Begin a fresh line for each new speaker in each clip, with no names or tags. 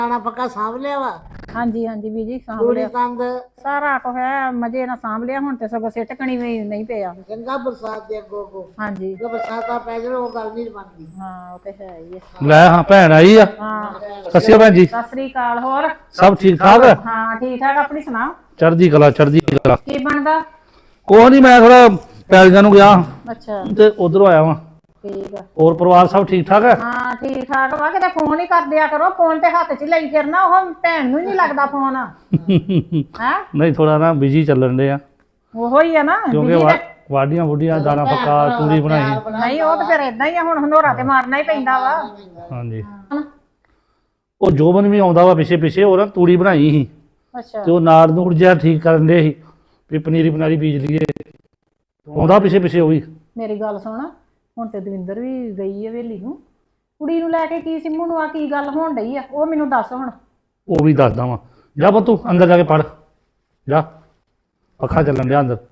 ਖਾਣਾ ਪੱਕਾ ਸਾਂਭ ਲਿਆ ਵਾ।
ਹਾਂਜੀ ਹਾਂਜੀ ਬੀਜੀ ਸਾਂਭ
ਤੂੜੀ
ਲਿਆ
ਤੰਦ
ਸਾਰਾ ਕੁਝ ਹੈ ਮਜੇ ਨਾਲ ਸਾਂਭ ਲਿਆ। ਹੁਣ ਤੇ ਸਗੋਂ ਸਿੱਟਕਣੀ ਵੀ ਨਹੀਂ ਪਿਆ।
ਚੰਗਾ ਬਰਸਾਤ ਦੇ ਅੱਗੋਂ
ਹਾਂਜੀ
ਜੋ ਬਰਸਾਤਾਂ ਪੈ ਜਾਣ ਉਹ ਗੱਲ ਨਹੀਂ ਬਣਦੀ।
ਹਾਂ ਉਹ ਤੇ ਹੈ ਹੀ ਹੈ।
ਲੈ ਹਾਂ ਭੈਣ ਆਈ ਆ।
ਹਾਂ
ਸਤਿ ਸ਼੍ਰੀ ਅਕਾਲ ਭੈਣ ਜੀ।
ਸਤਿ ਸ੍ਰੀ ਅਕਾਲ। ਹੋਰ
ਸਭ ਠੀਕ ਠਾਕ?
ਹਾਂ ਠੀਕ ਠਾਕ। ਆਪਣੀ ਸੁਣਾ।
ਚੜ੍ਹਦੀ ਕਲਾ ਚੜ੍ਹਦੀ ਕਲਾ।
ਕੀ ਬਣਦਾ?
ਕੋਈ ਨਹੀਂ, ਮੈਂ ਥੋੜਾ ਪੈਲੀਆਂ ਨੂੰ ਗਿਆ
ਅੱਛਾ
ਤੇ ਉਧਰੋਂ ਆਇਆ ਵਾਂ।
ਠੀਕ ਆ।
ਹੋਰ ਪਰਿਵਾਰ ਸਭ ਠੀਕ ਠਾਕ ਹੈ?
ਹਾਂ ਠੀਕ ਠਾਕ ਵਾ। ਕਿਤੇ ਫੋਨ ਹੀ ਕਰ ਦਿਆ ਕਰੋ। ਫੋਨ ਤੇ ਹੱਥ 'ਚ ਲਈ ਫਿਰਨਾ, ਉਹ ਭੈਣ ਨੂੰ ਹੀ ਨਹੀਂ ਲੱਗਦਾ ਫੋਨ। ਹੈ
ਨਹੀਂ ਥੋੜਾ ਨਾ ਬਿਜੀ ਚੱਲਣ ਦੇ ਆ
ਉਹੋ ਹੀ ਆ ਨਾ
ਕਿਉਂਕਿ
busy ਤੇ-
ਵਾਢੀਆਂ ਵੁੱਡੀਆਂ ਦਾਣਾ ਪੱਕਾ ਤੂੜੀ ਬਣਾਈ।
ਨਹੀਂ ਉਹ ਤਾਂ ਫਿਰ ਇਦਾਂ ਹੀ ਆ। ਹੁਣ ਹਨੋਰਾ ਤੇ ਮਾਰਨਾ ਹੀ ਪੈਂਦਾ ਵਾ।
ਹਾਂਜੀ ਉਹ ਜੋਬਨ ਵੀ ਆਉਂਦਾ ਵਾ ਪਿੱਛੇ ਪਿੱਛੇ, ਉਹ ਨਾ ਤੂੜੀ ਬਣਾਈ ਸੀ
ਅੱਛਾ
ਤੇ ਉਹ ਨਾੜ ਨੂੜ ਜਿਹਾ ਠੀਕ ਕਰਨ ਦੇ ਸੀ ਵੀ ਪਨੀਰੀ ਪਨਾਰੀ ਬੀਜ ਲਈਏ। ਆਉਂਦਾ ਪਿੱਛੇ ਪਿੱਛੇ ਉਹ ਵੀ।
ਮੇਰੀ ਗੱਲ ਸੁਣ। ਹੁਣ ਤੇ ਦਵਿੰਦਰ ਵੀ ਗਈ ਹੈ ਵੇਲੀ ਨੂੰ। ਕੁੜੀ ਨੂੰ ਲੈ ਕੇ ਕੀ ਸਿੰਮੂ ਨੂੰ ਆ ਕੀ ਗੱਲ ਹੋਣ ਡਈ ਆ ਉਹ ਮੈਨੂੰ ਦੱਸ ਹੁਣ।
ਉਹ ਵੀ ਦੱਸਦਾ ਵਾਂ। ਜਾ ਪੁੱਤ ਤੂੰ ਅੰਦਰ ਜਾ ਕੇ ਪੜ ਜਾ, ਪੱਖਾ ਚੱਲਣ ਡਿਆ ਅੰਦਰ।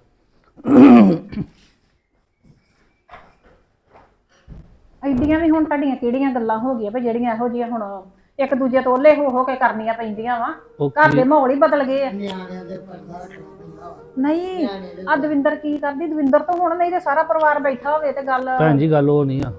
ਐਡੀਆਂ ਵੀ ਹੁਣ ਤੁਹਾਡੀਆਂ ਕਿਹੜੀਆਂ ਗੱਲਾਂ ਹੋ ਗਈਆਂ ਵੀ ਜਿਹੜੀਆਂ ਇਹੋ ਜਿਹੀਆਂ ਹੁਣ ਇੱਕ ਦੂਜੇ ਤੋਂ ਓਲੇ ਹੋ ਕੇ ਕਰਨੀਆਂ ਪੈਂਦੀਆਂ ਵਾ।
ਉਹ
ਘਰ ਦੇ ਮਾਹੌਲ ਹੀ ਬਦਲ ਗਏ ਆ।
ਨਿਆਣਿਆਂ ਦੇ ਪਰਦਾ ਰੱਖਣਾ ਪੈਂਦਾ ਵਾ।
ਨਹੀਂ ਆ ਦਵਿੰਦਰ ਕੀ ਕਰਦੀ? ਦਵਿੰਦਰ ਤੋਂ ਹੁਣ ਨਹੀਂ ਤੇ ਸਾਰਾ ਪਰਿਵਾਰ ਬੈਠਾ ਹੋਵੇ ਤੇ ਗੱਲ।
ਭੈਣ ਜੀ ਗੱਲ ਉਹ ਨਹੀਂ ਆ।